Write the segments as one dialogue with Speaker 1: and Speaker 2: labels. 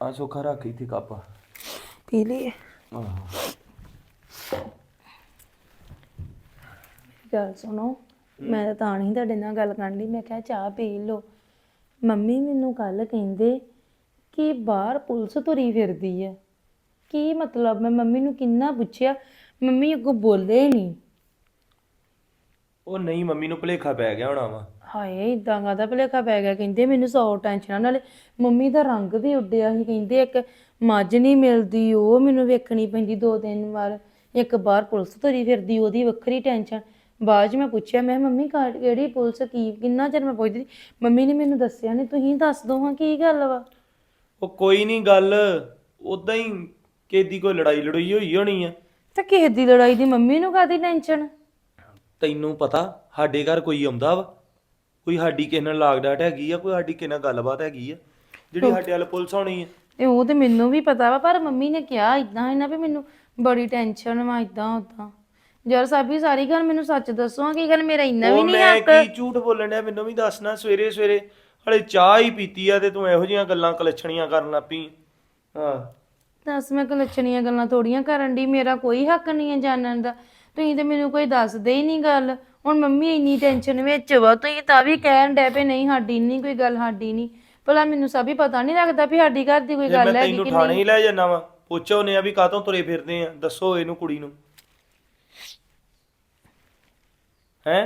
Speaker 1: ਆ ਸੋਖਾ ਰੱਖ ਇੱਥੇ ਕੱਪ
Speaker 2: ਪੀ ਲਈਏ।
Speaker 1: ਆਹੋ
Speaker 2: ਗੱਲ ਸੁਣੋ, ਮੈਂ ਤਾਂ ਨਹੀਂ ਤੁਹਾਡੇ ਨਾਲ ਗੱਲ ਕਰਨ ਲਈ, ਮੈਂ ਕਿਹਾ ਚਾਹ ਪੀ ਲਓ। ਮੰਮੀ ਮੈਨੂੰ ਕੱਲ ਕਹਿੰਦੇ ਕਿ ਬਾਹਰ ਪੁਲਿਸ ਤੁਰੀ ਫਿਰਦੀ ਹੈ। ਕੀ ਮਤਲਬ? ਮੈਂ ਮੰਮੀ ਨੂੰ ਕਿੰਨਾ ਪੁੱਛਿਆ, ਮੰਮੀ ਅੱਗੋਂ ਬੋਲੇ ਨਹੀਂ।
Speaker 1: ਉਹ ਨਹੀਂ, ਮੰਮੀ ਨੂੰ ਭੁਲੇਖਾ ਪੈ ਗਿਆ ਹੋਣਾ ਵਾ।
Speaker 2: ਹਾਏ ਇਦਾਂ ਕਾਹਦਾ ਭੁਲੇਖਾ ਪੈ ਗਿਆ? ਕਹਿੰਦੇ ਮੈਨੂੰ 100 ਟੈਨਸ਼ਨਾਂ, ਨਾਲੇ ਮੰਮੀ ਦਾ ਰੰਗ ਵੀ ਉੱਡਿਆ ਸੀ। ਕਹਿੰਦੇ ਇੱਕ ਮੱਝ ਨਹੀਂ ਮਿਲਦੀ, ਉਹ ਮੈਨੂੰ ਵੇਖਣੀ ਪੈਂਦੀ 2-3 ਵਾਰ। ਇੱਕ ਬਾਹਰ ਪੁਲਿਸ ਤੁਰੀ ਫਿਰਦੀ, ਉਹਦੀ ਵੱਖਰੀ ਟੈਨਸ਼ਨ। ਬਾਅਦ 'ਚ ਮੈਂ ਪੁੱਛਿਆ, ਮੈਂ ਮੰਮੀ ਕਿਹੜੀ ਪੁਲਿਸ, ਕੀ ਕਿੰਨਾ ਚਿਰ ਮੈਂ ਪੁੱਛਦੀ, ਮੰਮੀ ਨੇ ਮੈਨੂੰ ਦੱਸਿਆ ਨਹੀਂ। ਤੁਸੀਂ ਦੱਸ ਦੋ ਹਾਂ ਕੀ ਗੱਲ ਵਾ।
Speaker 1: ਉਹ ਕੋਈ ਨਹੀਂ ਗੱਲ, ਉਦਾਂ ਹੀ ਕਿਸੇ ਦੀ ਕੋਈ ਲੜਾਈ ਲੜੋਈ ਹੋਈ ਹੋਣੀ ਆ।
Speaker 2: ਤੇ ਕਿਸੇ ਦੀ ਲੜਾਈ ਦੀ ਮੰਮੀ ਨੂੰ ਕਾਹਦੀ ਟੈਨਸ਼ਨ?
Speaker 1: ਤੈਨੂੰ ਪਤਾ ਸਾਡੇ ਘਰ ਕੋਈ ਆਉਂਦਾ ਵਾ, ਕੋਈ ਸਾਡੀ ਕਿਸੇ ਨਾਲ ਲਾਗ ਡਾਟ ਹੈਗੀ ਆ, ਕੋਈ ਸਾਡੀ ਕਿਸੇ ਨਾਲ ਗੱਲਬਾਤ ਹੈਗੀ ਆ ਜਿਹੜੀ ਸਾਡੇ ਵੱਲ ਪੁਲਿਸ ਆਉਣੀ ਆ?
Speaker 2: ਤੇ ਉਹ ਤੇ ਮੈਨੂੰ ਵੀ ਪਤਾ ਵਾ, ਪਰ ਮੰਮੀ ਨੇ ਕਿਹਾ ਇਦਾਂ ਹੈ ਨਾ ਵੀ ਮੈਨੂੰ ਬੜੀ ਟੈਨਸ਼ਨ ਵਾ, ਇਦਾਂ ਉਦਾਂ। ਯਾਰ ਸਾਬੀ ਸਾਰੀ ਗੱਲ ਮੈਨੂੰ ਸੱਚ ਦੱਸੋ, ਕੀ ਗੱਲ ਮੇਰਾ ਇੰਨਾ ਵੀ ਨਹੀਂ
Speaker 1: ਮੈਂ
Speaker 2: ਹੱਕ?
Speaker 1: ਕੀ ਝੂਠ ਬੋਲਣ ਡਿਆ? ਮੈਨੂੰ ਵੀ ਦੱਸਣਾ। ਸਵੇਰੇ ਸਵੇਰੇ ਹਲੇ ਚਾਹ ਹੀ ਪੀਤੀ ਆ ਤੇ ਤੂੰ ਇਹੋ ਜਿਹੀਆਂ ਗੱਲਾਂ ਕਲੱਛਣੀਆਂ ਕਰਨ ਲੱਗ ਪਈ। ਹਾਂ
Speaker 2: ਦੱਸ, ਮੈਂ ਕਲੱਛਣੀਆਂ ਗੱਲਾਂ ਥੋੜੀਆਂ ਕਰਨ ਦੀ, ਮੇਰਾ ਕੋਈ ਹੱਕ ਨਹੀਂ ਹੈ ਜਾਣਨ ਦਾ। ਤੁਸੀਂ ਤੇ ਮੈਨੂੰ ਕੋਈ ਦੱਸਦੇ ਹੀ ਨਹੀਂ ਗੱਲ। ਹੁਣ ਮੰਮੀ ਇੰਨੀ ਟੈਨਸ਼ਨ ਵਿੱਚ ਵਾ, ਤੁਸੀਂ ਤਾਂ ਵੀ ਕਹਿਣ ਡੈ ਪਏ ਨਹੀਂ ਸਾਡੀ ਨਹੀਂ ਕੋਈ ਗੱਲ, ਸਾਡੀ ਨਹੀਂ। ਭਲਾ ਮੈਨੂੰ ਸਭ ਹੀ ਪਤਾ ਨਹੀਂ ਲੱਗਦਾ ਵੀ ਸਾਡੀ ਘਰ ਦੀ ਕੋਈ
Speaker 1: ਜੇ ਮੈਂ
Speaker 2: ਗੱਲ ਹੈਗੀ
Speaker 1: ਤੈਨੂੰ
Speaker 2: ਕਿ
Speaker 1: ਥਾਣੇ
Speaker 2: ਨਹੀਂ?
Speaker 1: ਹੀ ਲੈ ਜਾਣਾ ਵਾ, ਪੁੱਛੋਨੇ ਆ ਵੀ ਕਾਹਤੋਂ ਤੁਰੇ ਫਿਰਦੇ ਆ, ਦੱਸੋ ਇਹਨੂੰ ਕੁੜੀ ਨੂੰ। ਹੈਂ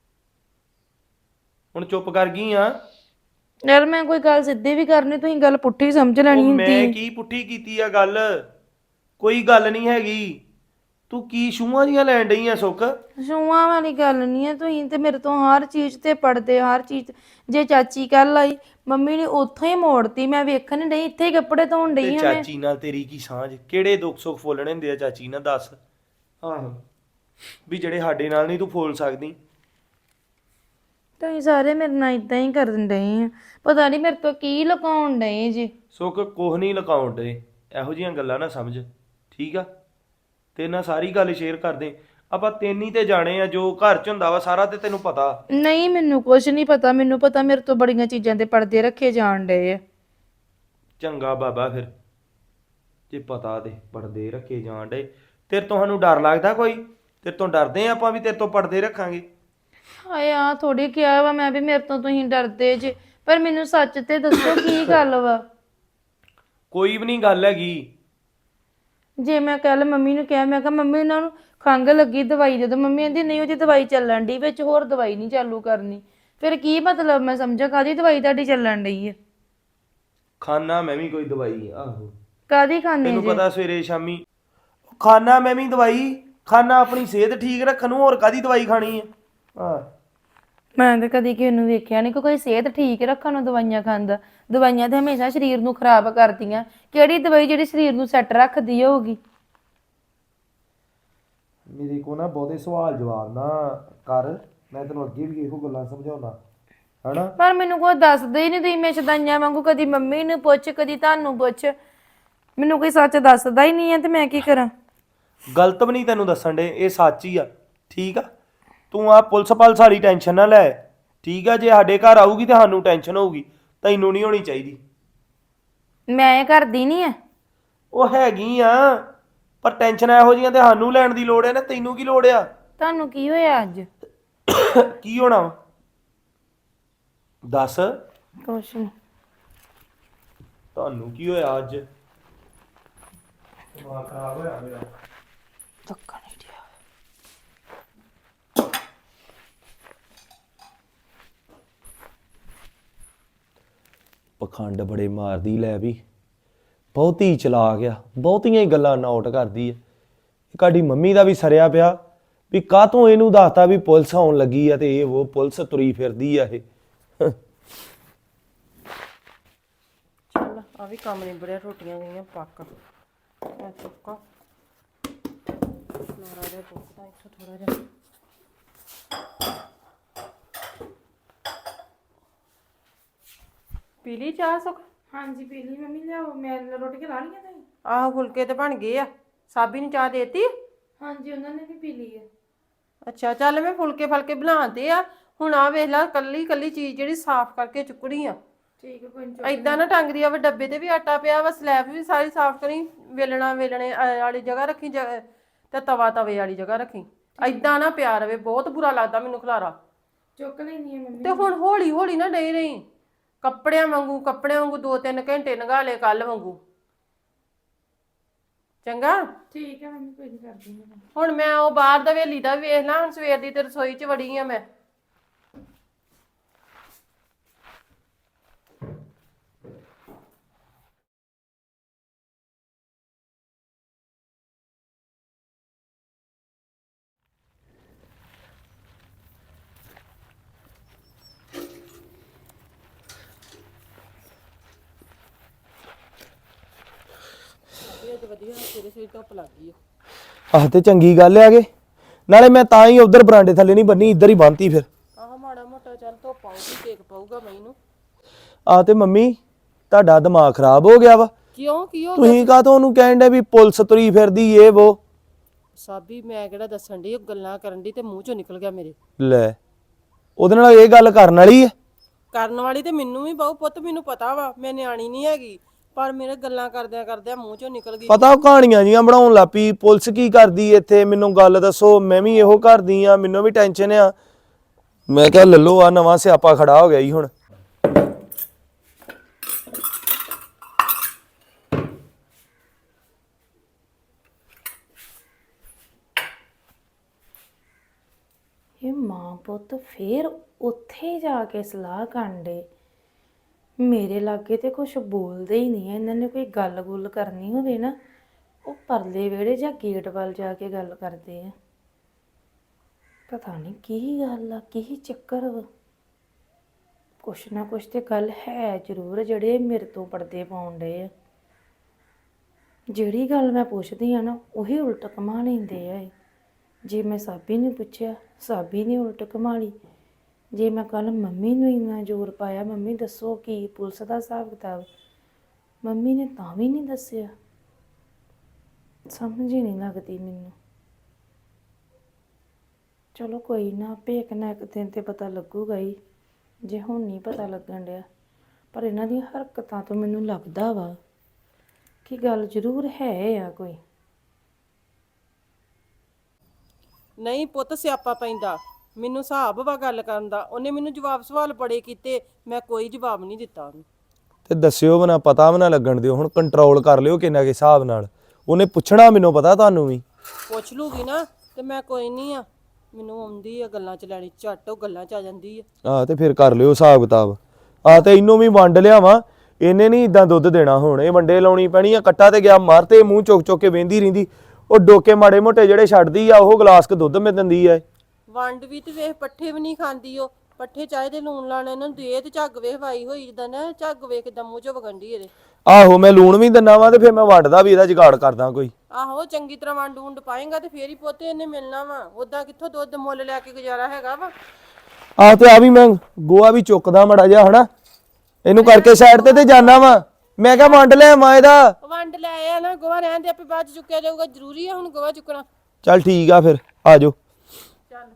Speaker 1: ਹੁਣ ਚੁੱਪ ਕਰ ਗਈ ਆ?
Speaker 2: ਯਾਰ ਮੈਂ ਕੋਈ ਗੱਲ ਸਿੱਧੀ ਵੀ ਕਰਨੀ, ਤੁਸੀਂ ਗੱਲ ਪੁੱਠੀ ਸਮਝ
Speaker 1: ਉਹ
Speaker 2: ਲੈਣੀ
Speaker 1: ਮੈਂ
Speaker 2: ਹੁੰਦੀ।
Speaker 1: ਕੀ ਪੁੱਠੀ ਕੀਤੀ ਆ ਗੱਲ? ਕੋਈ ਗੱਲ ਨਹੀਂ ਹੈਗੀ। ਤੂੰ ਕੀ ਛੂਆਂ ਦੀਆਂ ਲੈਣ ਡਈ ਆ ਸੁੱਖ?
Speaker 2: ਛੂਆਂ ਵਾਲੀ ਗੱਲ ਨਹੀਂ ਹੈ, ਤੁਸੀਂ ਤੇ ਮੇਰੇ ਤੋਂ ਹਰ ਚੀਜ਼ ਤੇ ਪੜਦੇ, ਹਰ ਚੀਜ਼। ਜੇ ਚਾਚੀ ਕੱਲ ਆਈ, ਮੰਮੀ ਨੇ ਉੱਥੋਂ ਹੀ ਮੋੜਤੀ, ਮੈਂ ਵੇਖਣ ਨਹੀਂ ਡਈ, ਇੱਥੇ ਹੀ ਕੱਪੜੇ ਧੋਣ
Speaker 1: ਤੇ
Speaker 2: ਡਈ ਹਾਂ ਮੈਂ।
Speaker 1: ਚਾਚੀ ਨਾਲ ਤੇਰੀ ਕੀ ਸਾਂਝ? ਕਿਹੜੇ ਦੁੱਖ ਸੁੱਖ ਫੋਲਣੇ ਹੁੰਦੇ ਆ ਚਾਚੀ ਨਾਲ, ਦੱਸ। ਆਹੋ ਵੀ ਜਿਹੜੇ ਸਾਡੇ ਨਾਲ ਨਹੀਂ ਤੂੰ ਫੋਲ ਸਕਦੀ।
Speaker 2: ਤੁਸੀਂ ਸਾਰੇ ਮੇਰੇ ਨਾਲ ਇਦਾਂ ਹੀ ਕਰਨ ਡਏ ਆ, ਪਤਾ ਨਹੀਂ ਮੇਰੇ ਤੋਂ ਕੀ ਲੁਕਾਉਣ ਡਏ ਜੀ।
Speaker 1: ਸੁੱਖ ਕੁਛ ਨਹੀਂ ਲੁਕਾਉਣ ਡੇ, ਇਹੋ ਜਿਹੀਆਂ ਗੱਲਾਂ ਨਾ ਸਮਝ, ਠੀਕ ਆ? ਤੇ ਨਾਲ ਸਾਰੀ ਗੱਲ ਸ਼ੇਅਰ ਕਰਦੇ ਆਪਾਂ, ਤੈਨੂੰ ਤੇ ਜਾਣੇ ਆ, ਜੋ ਘਰ 'ਚ ਹੁੰਦਾ ਵਾ ਸਾਰਾ ਤੇ ਤੈਨੂੰ ਪਤਾ।
Speaker 2: ਨਹੀਂ ਮੈਨੂੰ ਕੁਝ ਨਹੀਂ ਪਤਾ, ਮੈਨੂੰ ਪਤਾ ਮੇਰੇ ਤੋਂ ਬੜੀਆਂ ਚੀਜ਼ਾਂ ਦੇ ਪਰਦੇ ਰੱਖੇ ਜਾਣ ਡਏ ਆ।
Speaker 1: ਚੰਗਾ ਬਾਬਾ, ਫਿਰ ਜੇ ਪਤਾ ਤੇ ਪਰਦੇ ਰੱਖੇ ਜਾਣ ਡੇ। ਤੇਰੇ ਤੋਂ ਸਾਨੂੰ ਡਰ ਲੱਗਦਾ ਕੋਈ? ਤੇਰੇ ਤੋਂ ਡਰਦੇ ਆ ਆਪਾਂ ਵੀ ਤੇਰੇ ਤੋਂ ਪਰਦੇ ਰੱਖਾਂਗੇ?
Speaker 2: ਹਾਏ ਆ ਥੋੜੀ ਕਿਹਾ ਵਾ ਮੈਂ ਵੀ ਮੇਰੇ ਤੋਂ ਤੁਸੀਂ ਡਰਦੇ ਜੇ, ਪਰ ਮੈਨੂੰ ਸੱਚ ਤੇ ਦੱਸੋ ਕੀ ਗੱਲ ਵਾ।
Speaker 1: ਕੋਈ ਵੀ ਨਹੀਂ ਗੱਲ ਹੈਗੀ।
Speaker 2: ਜੇ ਮੈਂ ਕੱਲ ਮੰਮੀ ਨੂੰ ਕਿਹਾ, ਮੈਂ ਕਿਹਾ ਮੰਮੀ ਉਹਨਾਂ ਨੂੰ ਖੰਘ ਲੱਗੀ, ਦਵਾਈ ਦੇ ਦਿਓ, ਮੰਮੀ ਕਹਿੰਦੀ ਨਹੀਂ ਉਹਦੀ ਦਵਾਈ ਚੱਲਣ ਡਈ, ਵਿੱਚ ਹੋਰ ਦਵਾਈ ਨਹੀਂ ਚਾਲੂ ਕਰਨੀ। ਫਿਰ ਕੀ ਮਤਲਬ? ਮੈਂ ਸਮਝਾ ਕਾਹਦੀ ਦਵਾਈ ਤੁਹਾਡੀ ਚੱਲਣ ਡਈ ਹੈ?
Speaker 1: ਖਾਣਾ ਮੈਂ ਵੀ ਕੋਈ ਦਵਾਈ, ਆਹੋ
Speaker 2: ਕਾਹਦੀ ਖਾਣੇ
Speaker 1: ਤੈਨੂੰ
Speaker 2: ਜੇ?
Speaker 1: ਪਤਾ ਸਵੇਰੇ ਸ਼ਾਮੀ ਖਾਣਾ ਮੈਂ ਵੀ ਦਵਾਈ, ਖਾਣਾ ਆਪਣੀ ਸਿਹਤ ਠੀਕ ਰੱਖਣ ਨੂੰ, ਹੋਰ ਕਾਦੀ ਦਵਾਈ ਖਾਣੀ ਆ? ਹਾਂ
Speaker 2: ਮੈਂ ਤਾਂ ਕਦੀ ਕਿਸੇ ਨੂੰ ਵੇਖਿਆ ਨਹੀਂ ਕਿ ਕੋਈ ਸਿਹਤ ਠੀਕ ਰੱਖਣ ਨੂੰ ਦਵਾਈਆਂ ਖਾਂਦਾ। ਦਵਾਈਆਂ ਤੇ ਹਮੇਸ਼ਾ ਸਰੀਰ ਨੂੰ ਖਰਾਬ ਕਰਦੀਆਂ। ਕਿਹੜੀ ਦਵਾਈ ਜਿਹੜੀ ਸਰੀਰ ਨੂੰ ਸੈੱਟ ਰੱਖਦੀ ਹੋਊਗੀ?
Speaker 1: ਮੇਰੇ ਕੋ ਨਾ ਬਹੁਤੇ ਸਵਾਲ ਜਵਾਬ ਨਾ ਕਰ, ਮੈਂ ਤੈਨੂੰ ਅੱਗੇ ਵੀ ਇਹੋ ਗੱਲਾਂ ਸਮਝਾਉਣਾ ਹਨਾ।
Speaker 2: ਪਰ ਮੈਨੂੰ ਕੋਈ ਦੱਸਦੇ ਹੀ ਨਹੀਂ, ਤੁਸੀਂ ਮੈਂ ਸ਼ਦਾਈਆਂ ਵਾਂਗੂ ਕਦੀ ਮੰਮੀ ਨੂੰ ਪੁੱਛ, ਕਦੀ ਤੁਹਾਨੂੰ ਪੁੱਛ, ਮੈਨੂੰ ਕੋਈ ਸੱਚ ਦੱਸਦਾ ਹੀ ਨਹੀਂ ਹੈ ਤੇ ਮੈਂ ਕੀ ਕਰਾਂ?
Speaker 1: ਗਲਤ ਵੀ ਨਹੀਂ ਤੈਨੂੰ ਦੱਸਣ ਦੇ, ਇਹ ਸੱਚ ਹੀ ਆ, ਠੀਕ ਆ? ਤੂੰ ਆ ਪੁਲਿਸ ਪਾਲਸ ਵਾਲੀ ਟੈਨਸ਼ਨ ਨਾ ਲੈ, ਠੀਕ ਆ? ਜੇ ਸਾਡੇ ਘਰ ਆਊਗੀ ਤੇ ਸਾਨੂੰ ਟੈਨਸ਼ਨ ਹੋਊਗੀ, ਤੈਨੂੰ ਨਹੀਂ ਹੋਣੀ ਚਾਹੀਦੀ।
Speaker 2: ਮੈਂ ਕਰਦੀ ਨਹੀਂ ਹੈ।
Speaker 1: ਉਹ ਹੈਗੀ ਆ, ਪਰ ਟੈਨਸ਼ਨ ਇਹੋ ਜਿਹੀਆਂ ਤੇ ਸਾਨੂੰ ਲੈਣ ਦੀ ਲੋੜ ਹੈ ਨਾ, ਤੈਨੂੰ ਕੀ ਲੋੜ ਆ?
Speaker 2: ਤੁਹਾਨੂੰ ਕੀ ਹੋਇਆ ਅੱਜ?
Speaker 1: ਕੀ ਹੋਣਾ ਵਾ? ਦੱਸ।
Speaker 2: ਕੁਛ ਨਹੀਂ।
Speaker 1: ਤੁਹਾਨੂੰ ਕੀ ਹੋਇਆ ਅੱਜ? ਦਿਮਾਗ ਖਰਾਬ ਹੋਇਆ ਮੇਰਾ।
Speaker 2: ਧੱਕਾ ਨਹੀਂ ਦਿਆ।
Speaker 1: ਪਖੰਡ ਬੜੇ ਮਾਰਦੀ, ਲੈ ਵੀ ਬਹੁਤੀ ਚਲਾ ਗਿਆ, ਬਹੁਤੀਆਂ ਹੀ ਗੱਲਾਂ ਨੋਟ ਕਰਦੀ ਹੈ। ਸਾਡੀ ਮੰਮੀ ਦਾ ਵੀ ਸਰਿਆ ਪਿਆ ਵੀ ਕਾਹਤੋਂ ਇਹਨੂੰ ਦੱਸਤਾ ਵੀ ਪੁਲਿਸ ਆਉਣ ਲੱਗੀ ਆ ਤੇ ਇਹ ਉਹ ਪੁਲਿਸ ਤੁਰੀ ਫਿਰਦੀ ਆ ਇਹ।
Speaker 3: ਚੱਲ ਆ ਵੀ ਕੰਮ ਨਿਬੜਿਆ, ਰੋਟੀਆਂ ਗਈਆਂ ਪੱਕ। ਮੈਂ ਚੁੱਕਾ ਮਾਰਾ ਜਿਹਾ ਪੁੱਛਦਾ ਇੱਥੋਂ ਥੋੜਾ ਜਿਹਾ। ਪੀ ਲਈ ਚਾਹ ਸੁੱਖ?
Speaker 2: ਹਾਂਜੀ ਪੀ ਲਈ ਮੰਮੀ, ਲਿਆਓ ਮੈਂ ਰੋਟੀਆਂ ਲਾ ਲਈਆਂ ਤੁਸੀਂ?
Speaker 3: ਆਹੋ ਫੁਲਕੇ ਤੇ ਬਣ ਗਏ ਆ। ਸਾਬੀ ਨੂੰ ਚਾਹ ਦੇਤੀ?
Speaker 2: ਹਾਂਜੀ ਉਹਨਾਂ ਨੇ ਵੀ ਪੀ ਲਈ ਹੈ।
Speaker 3: ਅੱਛਾ ਚੱਲ ਮੈਂ ਫੁਲਕੇ ਫਲਕੇ ਬਣਾਤੇ ਆ। ਹੁਣ ਆ ਵੇਖ ਲੈ, ਕੱਲੀ ਕੱਲੀ ਚੀਜ਼ ਜਿਹੜੀ ਸਾਫ਼ ਕਰਕੇ ਚੁੱਕਣੀ ਆ।
Speaker 2: ਠੀਕ ਹੈ, ਕੋਈ
Speaker 3: ਐਦਾਂ ਨਾ ਟੰਗਦੀ ਆ ਵਾ, ਡੱਬੇ ਤੇ ਵੀ ਆਟਾ ਪਿਆ ਵਾ, ਸਲੈਬ ਵੀ ਸਾਰੀ ਸਾਫ਼ ਕਰੀ, ਵੇਲਣੇ ਵਾਲੀ ਜਗ੍ਹਾ ਰੱਖੀ ਤੇ ਤਵਾ ਤਵੇ ਵਾਲੀ ਜਗ੍ਹਾ ਰੱਖੀ। ਐਦਾਂ ਨਾ ਪਿਆ ਰਵੇ, ਬਹੁਤ ਬੁਰਾ ਲੱਗਦਾ ਮੈਨੂੰ ਖਲਾਰਾ।
Speaker 2: ਚੁੱਕ ਲੈਣੀ ਹੈ ਮੰਮੀ।
Speaker 3: ਤੇ ਹੁਣ ਹੌਲੀ ਹੌਲੀ ਨਾ ਡਈ ਰਹੀ, ਕੱਪੜਿਆਂ ਵਾਂਗੂ 2-3 ਘੰਟੇ ਨਗਾ ਲਏ ਕੱਲ ਵਾਂਗੂ। ਚੰਗਾ
Speaker 2: ਠੀਕ ਹੈ ਮੰਮੀ, ਕੋਈ ਨਹੀਂ ਕਰਦੀ ਮੈਂ।
Speaker 3: ਹੁਣ ਮੈਂ ਉਹ ਬਾਹਰ ਦਾ ਹਵੇਲੀ ਦਾ ਵੇਖ ਲਾਂ, ਹੁਣ ਸਵੇਰ ਦੀ ਤੇ ਰਸੋਈ 'ਚ ਵੜੀ ਆ ਮੈਂ। ਵਧੀਆ ਸਵੇਰੇ ਸਵੇਰੇ ਧੁੱਪ ਲੱਗ ਗਈ ਆ।
Speaker 1: ਆਹ ਤੇ ਚੰਗੀ ਗੱਲ ਆ। ਨਾਲੇ ਮੈਂ ਤਾਂ ਹੀ ਉਧਰ ਬਰਾਂਡੇ ਥੱਲੇ ਨਹੀਂ ਬੰਨੀ, ਇੱਧਰ ਹੀ ਬੰਨਤੀ ਫਿਰ।
Speaker 3: ਆਹ ਮਾੜਾ ਮੋਟਾ ਚੱਲ ਧੁੱਪ ਆਊਗੀ, ਟੇਕ ਪਊਗਾ ਮੈਨੂੰ।
Speaker 1: ਆਹ ਤੇ ਮੰਮੀ ਤੁਹਾਡਾ ਦਿਮਾਗ ਖਰਾਬ ਹੋ ਗਿਆ ਵਾ।
Speaker 3: ਕਿਉਂ ਕੀ ਹੋ ਗਿਆ?
Speaker 1: ਤੁਸੀਂ ਕਾਹਤੋਂ ਉਹਨੂੰ ਕਹਿਣ ਦੇ ਵੀ ਪੁਲਿਸ ਤੁਰੀ ਫਿਰਦੀ ਏ ਵੋ?
Speaker 3: ਸਾਬੀ ਮੈਂ ਕਿਹੜਾ ਦੱਸਣ ਦੀ, ਉਹ ਗੱਲਾਂ ਕਰਨ ਦੀ ਤੇ ਮੂੰਹ ਚੋਂ ਨਿਕਲ ਗਿਆ ਮੇਰੇ।
Speaker 1: ਲੈ, ਉਹਦੇ ਨਾਲ ਇਹ ਗੱਲ ਕਰਨ ਵਾਲੀ ਹੈ?
Speaker 3: ਕਰਨ ਵਾਲੀ ਤੇ ਮੈਨੂੰ ਵੀ ਬਹੁ ਪੁੱਤ, ਮੈਨੂੰ ਪਤਾ ਵਾ ਮੈਂ ਨਿਆਣੀ ਨਹੀਂ ਹੈਗੀ, ਪਰ ਮੇਰੇ ਗੱਲਾਂ ਕਰਦਿਆਂ ਕਰਦਿਆਂ ਮੂੰਹ ਚੋਂ ਨਿਕਲ ਗਈ।
Speaker 1: ਪਤਾ ਉਹ ਕਹਾਣੀਆਂ ਜੀਆਂ ਬਣਾਉਣ ਲੱਪੀ, ਪੁਲਿਸ ਕੀ ਕਰਦੀ ਇੱਥੇ, ਮੈਨੂੰ ਗੱਲ ਦੱਸੋ, ਮੈਂ ਵੀ ਇਹੋ ਕਰਦੀ ਆ, ਮੈਨੂੰ ਵੀ ਟੈਨਸ਼ਨ ਆ। ਮੈਂ ਕਿਹਾ ਲੱਲੋ ਆ ਨਵਾਂ ਸਿਆਪਾ ਖੜਾ ਹੋ ਗਿਆ ਜੀ ਹੁਣ।
Speaker 2: ਇਹ ਮਾਂ ਪੁੱਤ ਫੇਰ ਉੱਥੇ ਜਾ ਕੇ ਸਲਾਹ ਕਰਨ ਡੇ। ਮੇਰੇ ਲਾਗੇ ਤੇ ਕੁਝ ਬੋਲਦੇ ਹੀ ਨਹੀਂ ਐ। ਇਹਨਾਂ ਨੇ ਕੋਈ ਗੱਲ-ਗੁੱਲ ਕਰਨੀ ਹੋਵੇ ਨਾ, ਉਹ ਪਰਲੇ ਵਿਹੜੇ ਜਾਂ ਗੇਟ ਵੱਲ ਜਾ ਕੇ ਗੱਲ ਕਰਦੇ ਆ। ਪਤਾ ਨਹੀਂ ਕੀ ਗੱਲ ਆ, ਕੀ ਚੱਕਰ ਵਾ। ਕੁਛ ਨਾ ਕੁਛ ਤੇ ਗੱਲ ਹੈ ਜ਼ਰੂਰ, ਜਿਹੜੇ ਮੇਰੇ ਤੋਂ ਪਰਦੇ ਪਾਉਣ ਡੇ ਆ। ਜਿਹੜੀ ਗੱਲ ਮੈਂ ਪੁੱਛਦੀ ਆ ਨਾ, ਉਹੀ ਉਲਟ ਘੁਮਾ ਲੈਂਦੇ ਆ ਇਹ। ਜੇ ਮੈਂ ਸਾਬੀ ਨੂੰ ਪੁੱਛਿਆ, ਸਾਬੀ ਨੇ ਉਲਟ ਘੁਮਾ ਲਈ। ਜੇ ਮੈਂ ਕੱਲ ਮੰਮੀ ਨੂੰ ਇੰਨਾ ਜ਼ੋਰ ਪਾਇਆ, ਮੰਮੀ ਦੱਸੋ ਕੀ ਪੁਲਿਸ ਦਾ ਹਿਸਾਬ ਕਿਤਾਬ, ਮੰਮੀ ਨੇ ਤਾਂ ਵੀ ਨਹੀਂ ਦੱਸਿਆ। ਸਮਝ ਹੀ ਨਹੀਂ ਲੱਗਦੀ ਮੈਨੂੰ। ਚਲੋ ਕੋਈ ਨਾ, ਆਪੇ ਇੱਕ ਨਾ ਇੱਕ ਦਿਨ ਤੇ ਪਤਾ ਲੱਗੂਗਾ ਹੀ, ਜੇ ਹੁਣ ਨਹੀਂ ਪਤਾ ਲੱਗਣ ਡਿਆ। ਪਰ ਇਹਨਾਂ ਦੀਆਂ ਹਰਕਤਾਂ ਤੋਂ ਮੈਨੂੰ ਲੱਗਦਾ ਵਾ ਕਿ ਗੱਲ ਜ਼ਰੂਰ ਹੈ ਆ ਕੋਈ।
Speaker 3: ਨਹੀਂ ਪੁੱਤ ਸਿਆਪਾ ਪੈਂਦਾ, ਮੈਨੂੰ ਹਿਸਾਬ ਵਾ ਗੱਲ ਕਰਨ ਦਾ। ਉਹਨੇ ਮੈਨੂੰ ਜਵਾਬ ਸਵਾਲ ਬੜੇ ਕੀਤੇ, ਮੈਂ ਕੋਈ ਜਵਾਬ ਨਹੀਂ ਦਿੱਤਾ ਉਹਨੂੰ।
Speaker 1: ਤੇ ਦੱਸਿਓ ਬਣਾ, ਪਤਾ ਵੀ ਨਾ ਲੱਗਣ ਦਿਓ। ਹੁਣ ਕੰਟਰੋਲ ਕਰ ਲਿਓ ਕਿੰਨਾ ਕੇ ਹਿਸਾਬ ਨਾਲ। ਉਹਨੇ ਪੁੱਛਣਾ, ਮੈਨੂੰ ਪਤਾ ਤੁਹਾਨੂੰ ਵੀ
Speaker 3: ਪੁੱਛ ਲੂਗੀ ਨਾ, ਤੇ ਮੈਂ ਕੋਈ ਨਹੀਂ ਆ, ਮੈਨੂੰ ਆਉਂਦੀ ਆ ਗੱਲਾਂ ਚ ਲੈਣੀ, ਝੱਟ ਉਹ ਗੱਲਾਂ ਚ ਆ ਜਾਂਦੀ ਆ।
Speaker 1: ਆਹ ਤੇ ਫਿਰ ਕਰ ਲਿਓ ਹਿਸਾਬ ਕਿਤਾਬ। ਆਹ ਤੇ ਇਹਨੂੰ ਵੀ ਵੰਡ ਲਿਆਵਾਂ, ਇਹਨੇ ਨਹੀਂ ਇਦਾਂ ਦੁੱਧ ਦੇਣਾ। ਹੁਣ ਇਹ ਵੰਡੇ ਲਾਉਣੀ ਪੈਣੀ ਆ। ਕੱਟਾ ਤੇ ਗਿਆ ਮਰ, ਤੇ ਮੂੰਹ ਚੁੱਕ ਚੁੱਕ ਕੇ ਵੇਂਦੀ ਰਹਿੰਦੀ। ਉਹ ਡੋਕੇ ਮਾੜੇ ਮੋਟੇ ਜਿਹੜੇ ਛੱਡਦੀ ਆ, ਉਹ ਗਲਾਸ ਕ ਦੁੱਧ ਮੈਂ ਦਿੰਦੀ ਆ।
Speaker 3: ਵੰਡ ਵੀ ਤੇ ਵੇਖ, ਪੱਠੇ ਵੀ ਨਹੀਂ ਖਾਂਦੀ ਉਹ। ਪੱਠੇ ਚਾਹੀਦੇ ਲੂਣ ਲਾਣਾ ਇਹਨਾਂ ਨੂੰ ਦੇ, ਤੇ ਝੱਗ ਵੇਖ ਵਾਈ ਹੋਈ ਜਿੱਦਾਂ ਨਾ, ਝੱਗ ਵੇਖ ਕਿੱਦਾਂ ਮੂੰਹ ਚੋਂ ਵਗੰਡੀ ਇਹਦੇ।
Speaker 1: ਆਹੋ, ਮੈਂ ਲੂਣ ਵੀ ਦਿੰਦਾ ਵਾ, ਤੇ ਫਿਰ ਮੈਂ ਵੰਡਦਾ ਵੀ, ਇਹਦਾ ਜੁਗਾੜ ਕਰਦਾ ਕੋਈ।
Speaker 3: ਆਹੋ ਚੰਗੀ ਤਰ੍ਹਾਂ ਵੰਡ ਵੁੰਡ ਪਾਏਗਾ ਤੇ ਫੇਰ ਹੀ ਪੋਤੇ ਇਹਨੇ ਮਿਲਣਾ ਵਾ। ਉਦਾਂ ਕਿੱਥੋਂ ਦੁੱਧ ਮੁੱਲ ਲੈ ਕੇ ਗੁਜ਼ਾਰਾ ਹੈਗਾ ਵਾ।
Speaker 1: ਆਹ ਤੇ ਆ ਵੀ ਮੈਂ ਗੋਆ ਵੀ ਚੁੱਕਦਾ ਮੜਾ ਜਿਹਾ, ਹਨਾ ਇਹਨੂੰ ਕਰਕੇ ਸਾਈਡ ਤੇ ਜਾਣਾ ਵਾ। ਮੈਂ ਕਿਹਾ ਵੰਡ ਲੈ ਮਾਂ ਇਹਦਾ।
Speaker 3: ਵੰਡ ਲੈ ਆ ਨਾ, ਗੋਹਾ ਰਹਿਣ ਦੇ, ਆਪੇ ਬਾਅਦ ਚ ਚੁੱਕਿਆ ਜਾਊਗਾ। ਜ਼ਰੂਰੀ ਆ ਹੁਣ ਗੋਹਾ ਚੁੱਕਣਾ?
Speaker 1: ਚੱਲ ਠੀਕ ਆ, ਫਿਰ ਆ ਜਾਓ।
Speaker 3: ਚੱਲ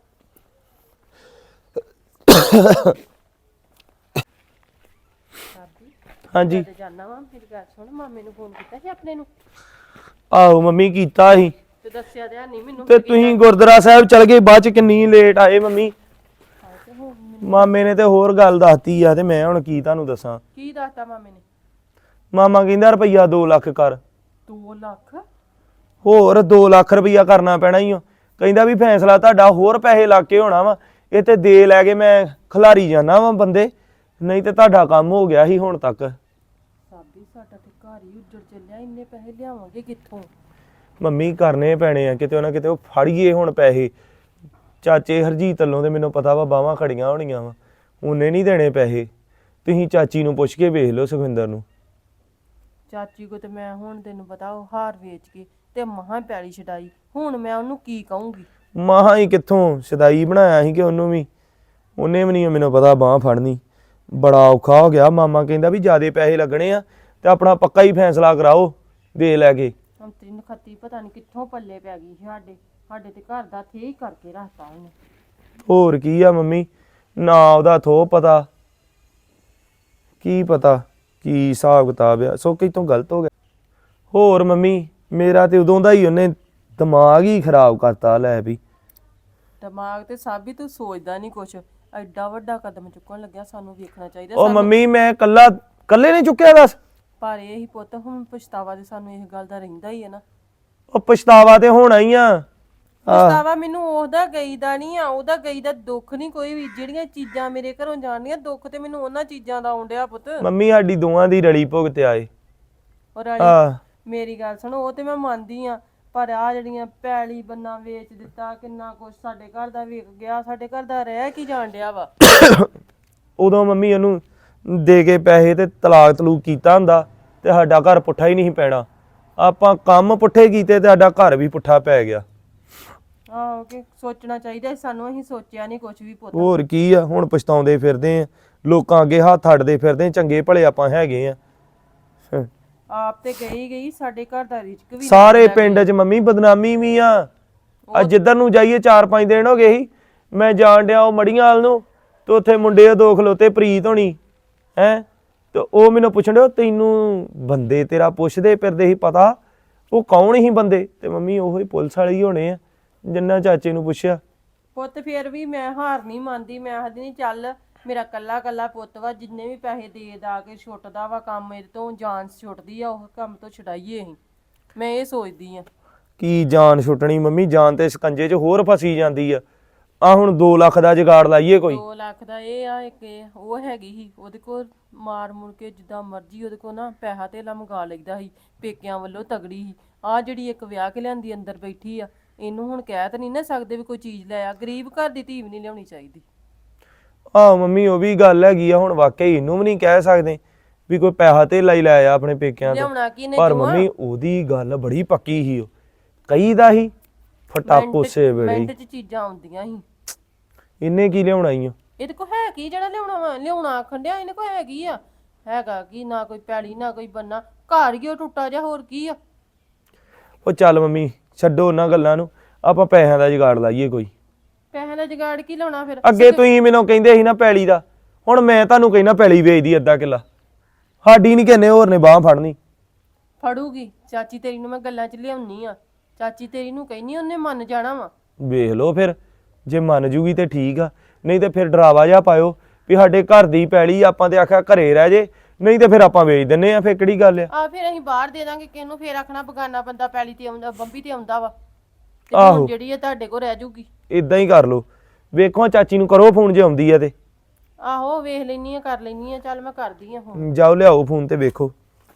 Speaker 1: ਹਾਂਜੀ
Speaker 3: ਤੇ ਜਾਣਾ ਵਾ। ਮੇਰੀ ਗੱਲ ਸੁਣ, ਮਾਮੇ ਨੂੰ ਫੋਨ ਕੀਤਾ ਸੀ ਆਪਣੇ ਨੂੰ?
Speaker 1: ਆਹੋ ਮੰਮੀ ਕੀਤਾ ਸੀ,
Speaker 3: ਤੇ ਦੱਸਿਆ ਤੇ ਨਹੀਂ ਮੈਨੂੰ।
Speaker 1: ਤੇ ਤੁਸੀਂ ਗੁਰਦੁਆਰਾ ਸਾਹਿਬ ਚਲ ਗਏ, ਬਾਅਦ ਚ ਕਿੰਨੀ ਲੇਟ ਆਏ ਮੰਮੀ। ਮਾਮੇ ਨੇ ਤੇ ਹੋਰ ਗੱਲ ਦੱਸਤੀ ਆ, ਤੇ ਮੈਂ ਹੁਣ ਕੀ ਤੁਹਾਨੂੰ ਦੱਸਾਂ।
Speaker 3: ਕੀ ਦੱਸਤਾ ਮਾਮੇ ਨੇ?
Speaker 1: ਮਾਮਾ ਕਹਿੰਦਾ ਰੁਪਈਆ 2 ਲੱਖ ਕਰ।
Speaker 3: 2 ਲੱਖ?
Speaker 1: ਹੋਰ 2 ਲੱਖ ਰੁਪਈਆ ਕਰਨਾ ਪੈਣਾ ਹੀ। ਕਹਿੰਦਾ ਵੀ ਫੈਸਲਾ ਤੁਹਾਡਾ, ਹੋਰ ਪੈਸੇ ਲਾ ਕੇ ਹੋਣਾ ਵਾ। ਇਹ ਤੇ ਦੇ ਲੈ ਕੇ ਮੈਂ ਖਿਲਾਰੀ ਜਾਣਾ ਵਾ ਬੰਦੇ, ਨਹੀਂ ਤੇ ਤੁਹਾਡਾ ਕੰਮ ਹੋ ਗਿਆ ਸੀ ਹੁਣ ਤੱਕ।
Speaker 3: ਸਾਬੀ ਸਾਡਾ ਤੇ ਘਰ ਹੀ ਉੱਜੜ ਚੱਲਿਆ, ਇੰਨੇ ਪੈਸੇ ਲਿਆਵਾਂਗੇ ਕਿੱਥੋਂ?
Speaker 1: ਮੰਮੀ ਕਰਨੇ ਪੈਣੇ ਆ ਕਿਤੇ ਨਾ ਕਿਤੇ, ਉਹ ਫੜੀਏ ਹੁਣ ਪੈਸੇ। ਚਾਚੇ ਹਰਜੀਤ ਵੱਲੋਂ ਤੇ ਮੈਨੂੰ ਪਤਾ ਵਾ ਬਾਹਾਂ ਖੜੀਆਂ ਹੋਣੀਆਂ ਵਾ, ਉਹਨੇ ਨਹੀਂ ਦੇਣੇ ਪੈਸੇ। ਤੁਸੀਂ ਚਾਚੀ ਨੂੰ ਪੁੱਛ ਕੇ ਵੇਖ ਲਓ, ਸੁਖਵਿੰਦਰ ਨੂੰ।
Speaker 3: ਚਾਚੀ ਕੋ ਤੇ ਮੈਂ ਹੁਣ ਤੈਨੂੰ ਪਤਾ, ਉਹ ਹਾਰ ਵੇਚ ਕੇ ਤੇ ਮਹਾਂ ਪੈਲੀ ਛਡਾਈ। ਹੁਣ ਮੈਂ ਉਹਨੂੰ ਕੀ ਕਹੂੰਗੀ?
Speaker 1: ਮਾਹਾਂ ਹੀ ਕਿੱਥੋਂ ਸਦਾਈ ਬਣਾਇਆ ਸੀ ਕਿ ਉਹਨੂੰ ਵੀ, ਉਹਨੇ ਵੀ ਨਹੀਂ ਮੈਨੂੰ ਪਤਾ ਬਾਂਹ ਫੜਨੀ। ਬੜਾ ਔਖਾ ਹੋ ਗਿਆ। ਮਾਮਾ ਕਹਿੰਦਾ ਵੀ ਜ਼ਿਆਦੇ ਪੈਸੇ ਲੱਗਣੇ ਆ, ਤੇ ਆਪਣਾ ਪੱਕਾ ਹੀ ਫੈਸਲਾ ਕਰਾਓ ਦੇ ਲੈ ਕੇ।
Speaker 3: ਹੁਣ ਤੈਨੂੰ ਖੱਤੀ ਪਤਾ ਨਹੀਂ ਕਿੱਥੋਂ ਪੱਲੇ ਪੈ ਗਈ ਸਾਡੇ ਤੇ ਘਰ ਦਾ ਥੇ ਹੀ ਕਰਕੇ ਰੱਖਤਾ ਇਹਨੇ।
Speaker 1: ਹੋਰ ਕੀ ਆ ਮੰਮੀ, ਨਾ ਉਹਦਾ ਥੋ ਪਤਾ, ਕੀ ਪਤਾ ਕੀ ਹਿਸਾਬ ਕਿਤਾਬ ਆ, ਸੋ ਕਿਤੋਂ ਗਲਤ ਹੋ ਗਿਆ। ਹੋਰ ਮੰਮੀ ਮੇਰਾ ਤੇ ਉਦੋਂ ਦਾ ਹੀ ਉਹਨੇ ਦਿਮਾਗ ਹੀ ਖਰਾਬ ਕਰਤਾ ਲੈ ਵੀ।
Speaker 3: ਦਿਮਾਗ ਤੇ ਸਭ ਹੀ ਤੂੰ ਸੋਚਦਾ ਨਹੀਂ ਕੁਛ, ਐਡਾ ਵੱਡਾ ਕਦਮ ਚੁੱਕਣ ਲੱਗਿਆ ਸਾਨੂੰ ਵੇਖਣਾ ਚਾਹੀਦਾ
Speaker 1: ਉਹ ਮੰਮੀ ਮੈਂ ਕੱਲੇ ਨੇ ਚੁੱਕਿਆ ਦੱਸ।
Speaker 3: ਪਰ ਇਹ ਹੀ ਪੁੱਤ ਹੁਣ ਪਛਤਾਵਾ ਤੇ ਸਾਨੂੰ ਇਸ ਗੱਲ ਦਾ ਰਹਿੰਦਾ ਹੀ ਹੈ ਨਾ।
Speaker 1: ਉਹ ਪਛਤਾਵਾ ਤੇ ਹੋਣਾ ਹੀ ਆ।
Speaker 3: ਪਛਤਾਵਾ ਮੈਨੂੰ ਉਹਦਾ ਗਈ ਦਾ ਨਹੀਂ ਆ, ਉਹਦਾ ਗਈ ਦਾ ਦੁੱਖ ਨਹੀਂ ਕੋਈ ਵੀ। ਜਿਹੜੀਆਂ ਚੀਜ਼ਾਂ ਮੇਰੇ ਘਰੋਂ ਜਾਣੀਆਂ ਦੁੱਖ ਤੇ ਮੈਨੂੰ ਉਹਨਾਂ ਚੀਜ਼ਾਂ ਦਾ ਆਉਂਦਿਆ ਪੁੱਤ।
Speaker 1: ਮੰਮੀ ਸਾਡੀ ਦੋਵਾਂ ਦੀ ਰਲੀ ਭੁਗਤ ਆਏ।
Speaker 3: ਔਰ ਵਾਲੀ ਮੇਰੀ ਗੱਲ ਸੁਣੋ, ਉਹ ਤੇ ਮੈਂ ਮੰਨਦੀ ਆ, ਪਰ ਆ ਜਿਹੜੀਆਂ ਪੈਲੀ ਬੰਨਾ ਵੇਚ ਦਿੱਤਾ, ਕਿੰਨਾ ਕੁਛ ਸਾਡੇ ਘਰ ਦਾ ਵਿਕ ਗਿਆ, ਸਾਡੇ ਘਰ ਦਾ ਰਹਿ ਕੀ ਜਾਣ ਡਿਆ ਵਾ।
Speaker 1: ਉਦੋਂ ਮੰਮੀ ਉਹਨੂੰ ਦੇ ਕੇ ਪੈਸੇ ਤੇ ਤਲਾਕ ਤਲੂਕ ਕੀਤਾ ਹੁੰਦਾ ਤੇ ਸਾਡਾ ਘਰ ਪੁੱਠਾ ਹੀ ਨਹੀਂ ਪੈਣਾ। ਆਪਾਂ ਕੰਮ ਪੁੱਠੇ ਕੀਤੇ ਤੇ ਸਾਡਾ ਘਰ ਵੀ ਪੁੱਠਾ ਪੈ ਗਿਆ।
Speaker 3: ਆਹੋ ਕਿ ਸੋਚਣਾ ਚਾਹੀਦਾ ਸੀ ਸਾਨੂੰ, ਅਸੀਂ ਸੋਚਿਆ ਨਹੀਂ ਕੁਛ ਵੀ ਪੁੱਤ।
Speaker 1: ਹੋਰ ਕੀ ਆ, ਹੁਣ ਪਛਤਾਉਂਦੇ ਫਿਰਦੇ ਆ, ਲੋਕਾਂ ਅੱਗੇ ਹੱਥ ਅੱਡਦੇ ਫਿਰਦੇ, ਚੰਗੇ ਭਲੇ ਆਪਾਂ ਹੈਗੇ ਆ।
Speaker 3: ਆਪ ਤੇ ਗਈ ਸਾਡੇ ਘਰ ਦਾ ਰਿਜ਼ਕ ਵੀ
Speaker 1: ਸਾਰੇ ਪਿੰਡ 'ਚ ਮੰਮੀ ਬਦਨਾਮੀ ਵੀ ਆ। ਅੱਜ ਜਿੱਧਰ ਨੂੰ ਜਾਈਏ 4-5 ਦਿਨ ਹੋ ਗਏ ਸੀ, ਮੈਂ ਜਾਣ ਡਿਆ ਉਹ ਮੜੀਆਂ ਵਾਲ ਨੂੰ ਤੇ ਉੱਥੇ ਮੁੰਡੇ ਦੋ ਖਲੋਤੇ ਪ੍ਰੀਤ ਹੋਣੀ ਹੈ, ਤੇ ਉਹ ਮੈਨੂੰ ਪੁੱਛਣ ਡਿਆ ਤੈਨੂੰ ਬੰਦੇ ਤੇਰਾ ਪੁੱਛਦੇ ਫਿਰਦੇ ਸੀ ਪਤਾ ਉਹ ਕੌਣ ਸੀ ਬੰਦੇ, ਤੇ ਮੰਮੀ ਉਹੋ ਹੀ ਪੁਲਿਸ ਵਾਲੇ ਹੀ ਹੋਣੇ ਆ ਜਿੰਨਾ ਚਾਚੇ ਨੂੰ ਪੁੱਛਿਆ।
Speaker 3: ਪੁੱਤ ਫੇਰ ਵੀ ਮੈਂ ਹਾਰ ਨਹੀਂ ਮੰਨਦੀ, ਮੈਂ ਆਖਦੀ ਨਹੀਂ ਚੱਲ ਮੇਰਾ ਕੱਲਾ ਕੱਲਾ ਪੁੱਤ ਵਾ, ਜਿੰਨੇ ਵੀ ਪੈਸੇ ਦੇ ਦਾ ਕੇ ਛੁੱਟਦਾ ਵਾ ਕੰਮ ਇਹਦੇ ਤੋਂ, ਜਾਨ ਛੁੱਟਦੀ ਆ, ਉਹ ਕੰਮ ਤੋਂ ਛਡਾਈਏ ਅਸੀਂ। ਮੈਂ ਇਹ ਸੋਚਦੀ ਆ।
Speaker 1: ਕੀ ਜਾਨ ਛੁੱਟਣੀ ਮੰਮੀ, ਜਾਨ ਤੇ ਸਕੰਜੇ 'ਚ ਹੋਰ ਫਸੀ ਜਾਂਦੀ ਆ। ਆ ਹੁਣ 2 ਲੱਖ ਦਾ ਜੁਗਾੜ ਲਾਈਏ ਕੋਈ।
Speaker 3: 2 ਲੱਖ ਦਾ ਇਹ ਆ, ਇੱਕ ਉਹ ਹੈਗੀ ਸੀ ਉਹਦੇ ਕੋਲ, ਮਾਰ ਮੁੜ ਕੇ ਜਿੱਦਾਂ ਮਰਜ਼ੀ ਉਹਦੇ ਕੋਲ ਨਾ ਪੈਸਾ ਧੇਲਾ ਮੰਗਾ ਲਈਦਾ ਸੀ, ਪੇਕਿਆਂ ਵੱਲੋਂ ਤਗੜੀ ਸੀ। ਆ ਜਿਹੜੀ ਇੱਕ ਵਿਆਹ ਕੇ ਲਿਆਂਦੀ ਅੰਦਰ ਬੈਠੀ ਆ, ਇਹਨੂੰ ਹੁਣ ਕਹਿ ਤਾਂ ਨਹੀਂ ਨਾ ਸਕਦੇ ਵੀ ਕੋਈ ਚੀਜ਼ ਲੈ ਆ। ਗਰੀਬ ਘਰ ਦੀ ਧੀ ਵੀ ਨਹੀਂ ਲਿਆਉਣੀ ਚਾਹੀਦੀ।
Speaker 1: ਆਹ ਮੰਮੀ ਉਹ ਵੀ ਗੱਲ ਹੈਗੀ ਆ, ਹੁਣ ਵਾਕਈ ਇਹਨੂੰ ਵੀ ਨਹੀਂ ਕਹਿ ਸਕਦੇ ਵੀ ਕੋਈ ਪੈਸਾ ਧੇਲਾ ਹੀ ਲਾਇਆ ਆਪਣੇ ਪੇਕਿਆਂ ਤੋਂ।
Speaker 3: ਲਿਆਉਣਾ ਕੀ ਨੇ
Speaker 1: ਪਰ ਮੰਮੀ ਉਹਦੀ ਗੱਲ ਬੜੀ ਪੱਕੀ ਸੀ, ਉਹ ਕਹੀ ਦਾ ਸੀ ਫਟਾਪ ਉਸੇ ਵੇਲੇ
Speaker 3: ਮਿੰਟ 'ਚ ਚੀਜ਼ਾਂ ਆਉਂਦੀਆਂ ਸੀ।
Speaker 1: ਇਹਨੇ ਕੀ ਲਿਆਉਣਾ ਈ ਓ।
Speaker 3: ਇਹਦੇ ਕੋ ਹੈ ਕੀ ਜਿਹੜਾ ਲਿਆਉਣਾ ਵਾ? ਲਿਆਉਣਾ ਆਖਣ ਡਿਆ, ਇਹਨੇ ਕੋ ਹੈਗੀ ਆ? ਹੈਗਾ ਕੀ? ਨਾ ਕੋਈ ਪੈਲੀ ਨਾ ਕੋਈ ਬੰਨਾ, ਘਰ ਹੀ ਉਹ ਟੁੱਟਾ ਜਿਹਾ, ਹੋਰ ਕੀ ਆ।
Speaker 1: ਉਹ ਚੱਲ ਮੰਮੀ ਛੱਡੋ ਉਹਨਾਂ ਗੱਲਾਂ ਨੂੰ, ਆਪਾਂ ਪੈਸਿਆਂ ਦਾ ਜੁਗਾੜ ਲਾਈਏ ਕੋਈ।
Speaker 3: ਪੈਸੇ ਦਾ ਜੁਗਾੜ ਕੀ ਲਾਉਣਾ ਫਿਰ?
Speaker 1: ਅੱਗੇ ਤੁਸੀਂ ਮੈਨੂੰ ਕਹਿੰਦੇ ਸੀ ਨਾ ਪੈਲੀ ਦਾ, ਹੁਣ ਮੈਂ ਤੁਹਾਨੂੰ ਕਹਿਣਾ ਪੈਲੀ ਵੇਚਦੀ ਅੱਧਾ ਕਿੱਲਾ। ਸਾਡੀ ਨਹੀਂ ਕਹਿੰਦੇ ਹੋਰ ਨੇ ਬਾਹ ਫੜਨੀ।
Speaker 3: ਫੜੂਗੀ ਚਾਚੀ ਤੇਰੀ ਨੂੰ, ਮੈਂ ਗੱਲਾਂ 'ਚ ਲਿਆਉਣੀ ਆ। ਚਾਚੀ ਤੇਰੀ ਨੂੰ ਕਹਿਨੀ, ਉਹਨੇ ਮੰਨ ਜਾਣਾ ਵਾ।
Speaker 1: ਵੇਖ ਲਓ ਫਿਰ, ਜੇ ਮੰਨ ਜੂਗੀ ਤੇ ਠੀਕ ਆ, ਨਹੀਂ ਤੇ ਫਿਰ ਡਰਾਵਾ ਜਿਹਾ ਪਾਇਓ ਵੀ ਸਾਡੇ ਘਰ ਦੀ ਪੈਲੀ, ਆਪਾਂ ਤੇ ਆਖਿਆ ਘਰੇ ਰਹਿ ਜੇ, ਨਹੀਂ ਤੇ ਫਿਰ ਆਪਾਂ ਵੇਚ ਦਿੰਨੇ ਆ। ਫਿਰ ਕਿਹੜੀ ਗੱਲ ਆ?
Speaker 3: ਫਿਰ ਅਸੀਂ ਬਾਹਰ ਦੇ ਦਾਂਗੇ ਕਿਹਨੂੰ, ਫਿਰ ਆਖਣਾ ਬਗਾਨਾ ਬੰਦਾ ਪੈਲੀ ਤੇ ਆਉਂਦਾ, ਬੰਬੀ ਤੇ ਆਉਂਦਾ ਵਾ, ਤੇ ਹੁਣ ਜਿਹੜੀ ਆ ਤੁਹਾਡੇ ਕੋਲ ਰਹਿ ਜੂਗੀ।
Speaker 1: ਇਦਾਂ ਹੀ ਕਰ ਲਓ। ਵੇਖੋ ਚਾਚੀ ਨੂੰ ਕਰੋ ਫੋਨ ਜੇ ਆਉਂਦੀ ਆ ਤੇ।
Speaker 3: ਆਹੋ ਵੇਖ ਲੈਣੀ ਆ, ਕਰ ਲੈਣੀ ਆ। ਚੱਲ ਮੈਂ ਕਰਦੀ ਆ ਫੋਨ।
Speaker 1: ਜਾਓ ਲਿਆਓ ਫੋਨ ਤੇ ਵੇਖੋ।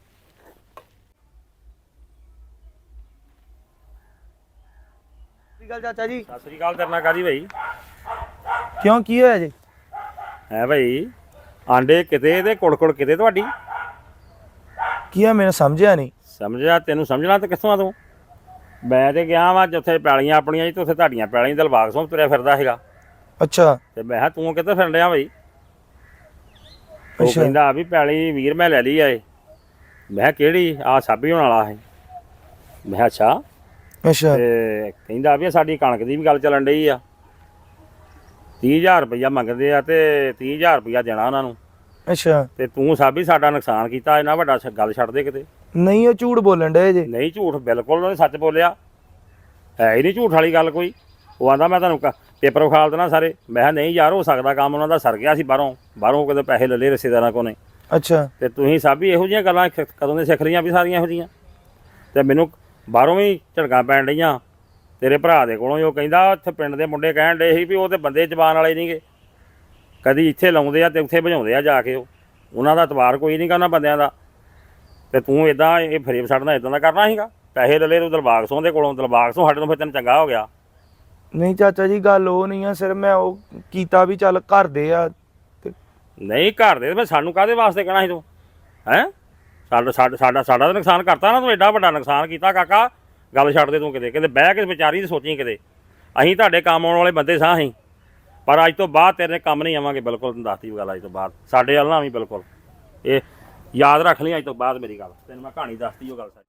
Speaker 1: ਸਤਿ ਸ਼੍ਰੀ ਅਕਾਲ ਚਾਚਾ ਜੀ।
Speaker 4: ਸਤਿ ਸ੍ਰੀ ਅਕਾਲ। ਕਰਨਾ ਕਾਦੀ ਭਾਈ?
Speaker 1: ਕਿਉਂ ਕੀ ਹੋਇਆ ਜੀ?
Speaker 4: ਹੈ ਭਾਈ, ਆਂਡੇ ਕਿਤੇ ਤੇ ਕੁੜਕੁੜ ਕਿਤੇ ਤੁਹਾਡੀ।
Speaker 1: ਕੀ ਆ ਮੈਨੂੰ ਸਮਝਿਆ ਨਹੀਂ।
Speaker 4: ਸਮਝਿਆ? ਤੈਨੂੰ ਸਮਝਣਾ ਤੇ ਕਿੱਥੋਂ ਆ ਤੂੰ? ਮੈਂ ਤੇ ਗਿਆ ਵਾ ਜਿੱਥੇ ਪੈਲੀਆਂ ਆਪਣੀਆਂ ਜੀ, ਤੇ ਉੱਥੇ ਤੁਹਾਡੀਆਂ ਪੈਲੀਆਂ ਦਿਲਬਾਗ ਸਿੰਘ ਤੁਰਿਆ ਫਿਰਦਾ ਹੈਗਾ।
Speaker 1: ਅੱਛਾ।
Speaker 4: ਤੇ ਮੈਂ ਕਿਹਾ ਤੂੰ ਕਿੱਥੇ ਫਿਰਨ ਡਿਆ ਭਾਈ? ਉਹ ਕਹਿੰਦਾ ਵੀ ਪੈਲੀ ਵੀਰ ਮੈਂ ਲੈ ਲਈ ਆ ਇਹ। ਮੈਂ ਕਿਹਾ ਕਿਹੜੀ? ਆ ਸਾਬੀ ਹੋਣ ਵਾਲਾ ਹੈ। ਮੈਂ ਕਿਹਾ ਅੱਛਾ।
Speaker 1: ਅੱਛਾ।
Speaker 4: ਤੇ ਕਹਿੰਦਾ ਵੀ ਸਾਡੀ ਕਣਕ ਦੀ ਵੀ ਗੱਲ ਚੱਲਣ ਡਈ ਆ, 30,000 ਰੁਪਈਆ ਮੰਗਦੇ ਆ ਤੇ 30,000 ਰੁਪਈਆ ਦੇਣਾ ਉਹਨਾਂ ਨੂੰ।
Speaker 1: ਅੱਛਾ।
Speaker 4: ਤੇ ਤੂੰ ਸਾਬੀ ਸਾਡਾ ਨੁਕਸਾਨ ਕੀਤਾ, ਇਹਨਾਂ ਵੱਡਾ ਗੱਲ ਛੱਡ ਦੇ ਕਿਤੇ।
Speaker 1: ਨਹੀਂ ਉਹ ਝੂਠ ਬੋਲਣ ਡਏ ਜੇ।
Speaker 4: ਨਹੀਂ ਝੂਠ, ਬਿਲਕੁਲ ਉਹਨੇ ਸੱਚ ਬੋਲਿਆ, ਹੈ ਹੀ ਨਹੀਂ ਝੂਠ ਵਾਲੀ ਗੱਲ ਕੋਈ। ਉਹ ਆਂਦਾ ਮੈਂ ਤੁਹਾਨੂੰ ਪੇਪਰ ਵਿਖਾਲ ਦੇਣਾ ਸਾਰੇ। ਮੈਂ ਕਿਹਾ ਨਹੀਂ ਯਾਰ, ਹੋ ਸਕਦਾ ਕੰਮ ਉਹਨਾਂ ਦਾ ਸਰ ਗਿਆ ਸੀ, ਬਾਹਰੋਂ ਕਿਤੇ ਪੈਸੇ ਲੈ ਲਏ ਰਿਸ਼ਤੇਦਾਰਾਂ ਕੋਲ ਨੇ।
Speaker 1: ਅੱਛਾ।
Speaker 4: ਤੇ ਤੁਸੀਂ ਸਾਬੀ ਇਹੋ ਜਿਹੀਆਂ ਗੱਲਾਂ ਕਦੋਂ ਦੇ ਸਿੱਖ ਲਈਆਂ ਵੀ ਸਾਰੀਆਂ ਇਹੋ ਜਿਹੀਆਂ? ਤੇ ਮੈਨੂੰ ਬਾਹਰੋਂ ਵੀ ਝੜਕਾਂ ਪੈਣ ਡਈਆਂ ਤੇਰੇ ਭਰਾ ਦੇ ਕੋਲੋਂ। ਉਹ ਕਹਿੰਦਾ ਇੱਥੇ ਪਿੰਡ ਦੇ ਮੁੰਡੇ ਕਹਿਣ ਡੇ ਸੀ ਵੀ ਉਹ ਤੇ ਬੰਦੇ ਜ਼ਬਾਨ ਵਾਲੇ ਨਹੀਂਗੇ, ਕਦੀ ਇੱਥੇ ਲਾਉਂਦੇ ਆ ਤੇ ਉੱਥੇ ਭਜਾਉਂਦੇ ਆ ਜਾ ਕੇ। ਉਹਨਾਂ ਦਾ ਇਤਬਾਰ ਕੋਈ ਨਹੀਂ ਗਾ ਉਹਨਾਂ ਬੰਦਿਆਂ ਦਾ। ਤੇ ਤੂੰ ਇਦਾਂ ਇਹ ਫਰੇਬ ਛੱਡਣਾ ਇਦਾਂ ਦਾ ਕਰਨਾ ਸੀਗਾ? ਪੈਸੇ ਲੈ ਲਏ ਤੂੰ ਦਿਲਬਾਗ ਸਿੰਘ ਦੇ ਕੋਲੋਂ, ਦਿਲਬਾਗ ਸਿੰਘ ਸਾਡੇ ਤੋਂ ਫਿਰ ਤੈਨੂੰ ਚੰਗਾ ਹੋ ਗਿਆ।
Speaker 1: ਨਹੀਂ ਚਾਚਾ ਜੀ ਗੱਲ ਉਹ ਨਹੀਂ ਆ, ਸਿਰ ਮੈਂ ਉਹ ਕੀਤਾ ਵੀ ਚੱਲ ਘਰ ਦੇ ਆ ਤੇ।
Speaker 4: ਨਹੀਂ ਘਰ ਦੇ ਫਿਰ ਸਾਨੂੰ ਕਾਹਦੇ ਵਾਸਤੇ ਕਹਿਣਾ ਸੀ ਤੂੰ? ਹੈਂ ਸਾਡਾ ਤਾਂ ਨੁਕਸਾਨ ਕਰਤਾ ਨਾ ਤੂੰ, ਐਡਾ ਵੱਡਾ ਨੁਕਸਾਨ ਕੀਤਾ ਕਾਕਾ। ਗੱਲ ਛੱਡ ਦੇ ਤੂੰ, ਕਿਤੇ ਬਹਿ ਕੇ ਵਿਚਾਰੀ ਤੇ ਸੋਚੀ ਕਿਤੇ। ਅਸੀਂ ਤੁਹਾਡੇ ਕੰਮ ਆਉਣ ਵਾਲੇ ਬੰਦੇ ਸਾਂ ਅਸੀਂ, ਪਰ ਅੱਜ ਤੋਂ ਬਾਅਦ ਤੇਰੇ ਕੰਮ ਨਹੀਂ ਆਵਾਂਗੇ ਬਿਲਕੁਲ। ਤੈਨੂੰ ਦੱਸਤੀ ਗੱਲ, ਅੱਜ ਤੋਂ ਬਾਅਦ ਸਾਡੇ ਵੱਲ ਨਾ ਵੀ ਬਿਲਕੁਲ। ਇਹ ਯਾਦ ਰੱਖ ਲਈ ਅੱਜ ਤੋਂ ਬਾਅਦ ਮੇਰੀ ਗੱਲ, ਤੈਨੂੰ ਮੈਂ ਕਹਾਣੀ ਦੱਸਤੀ ਉਹ ਗੱਲ ਸਾਡੀ।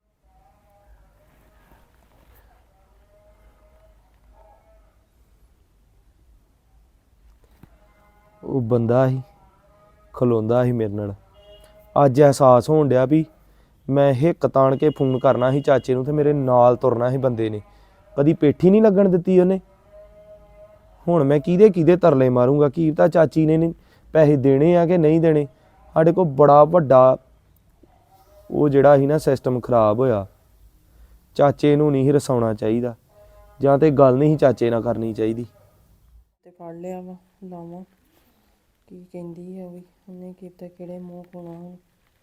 Speaker 1: ਉਹ ਬੰਦਾ ਸੀ ਖਲੋਂਦਾ ਸੀ ਮੇਰੇ ਨਾਲ, ਅੱਜ ਅਹਿਸਾਸ ਹੋਣ ਡਿਆ ਵੀ ਮੈਂ ਹਿੱਕ ਤਾਣ ਕੇ ਫੋਨ ਕਰਨਾ ਸੀ ਚਾਚੇ ਨੂੰ ਤੇ ਮੇਰੇ ਨਾਲ ਤੁਰਨਾ ਸੀ ਬੰਦੇ ਨੇ, ਕਦੀ ਪੇਠੀ ਨਹੀਂ ਲੱਗਣ ਦਿੱਤੀ ਉਹਨੇ। ਹੁਣ ਮੈਂ ਕਿਹਦੇ ਤਰਲੇ ਮਾਰੂੰਗਾ, ਕੀ ਪਤਾ ਚਾਚੀ ਨੇ ਪੈਸੇ ਦੇਣੇ ਆ ਕਿ ਨਹੀਂ ਦੇਣੇ। ਸਾਡੇ ਕੋਲ ਬੜਾ ਵੱਡਾ ਉਹ ਜਿਹੜਾ ਸੀ ਨਾ ਸਿਸਟਮ ਖਰਾਬ ਹੋਇਆ। ਚਾਚੇ ਨੂੰ ਨਹੀਂ ਰਸਾਉਣਾ ਚਾਹੀਦਾ, ਜਾਂ ਤੇ ਗੱਲ ਨਹੀਂ ਚਾਚੇ ਨਾਲ ਕਰਨੀ ਚਾਹੀਦੀ।
Speaker 3: ਤੇ ਫੜ ਲਿਆ ਵਾ, ਲਾਵਾਂ ਕੀ ਕਹਿੰਦੀ ਆ ਵੀ, ਉਹਨੇ ਕੀਤਾ ਕਿਹੜੇ ਮੂੰਹ ਪਾਉਣਾ ਹੁਣ।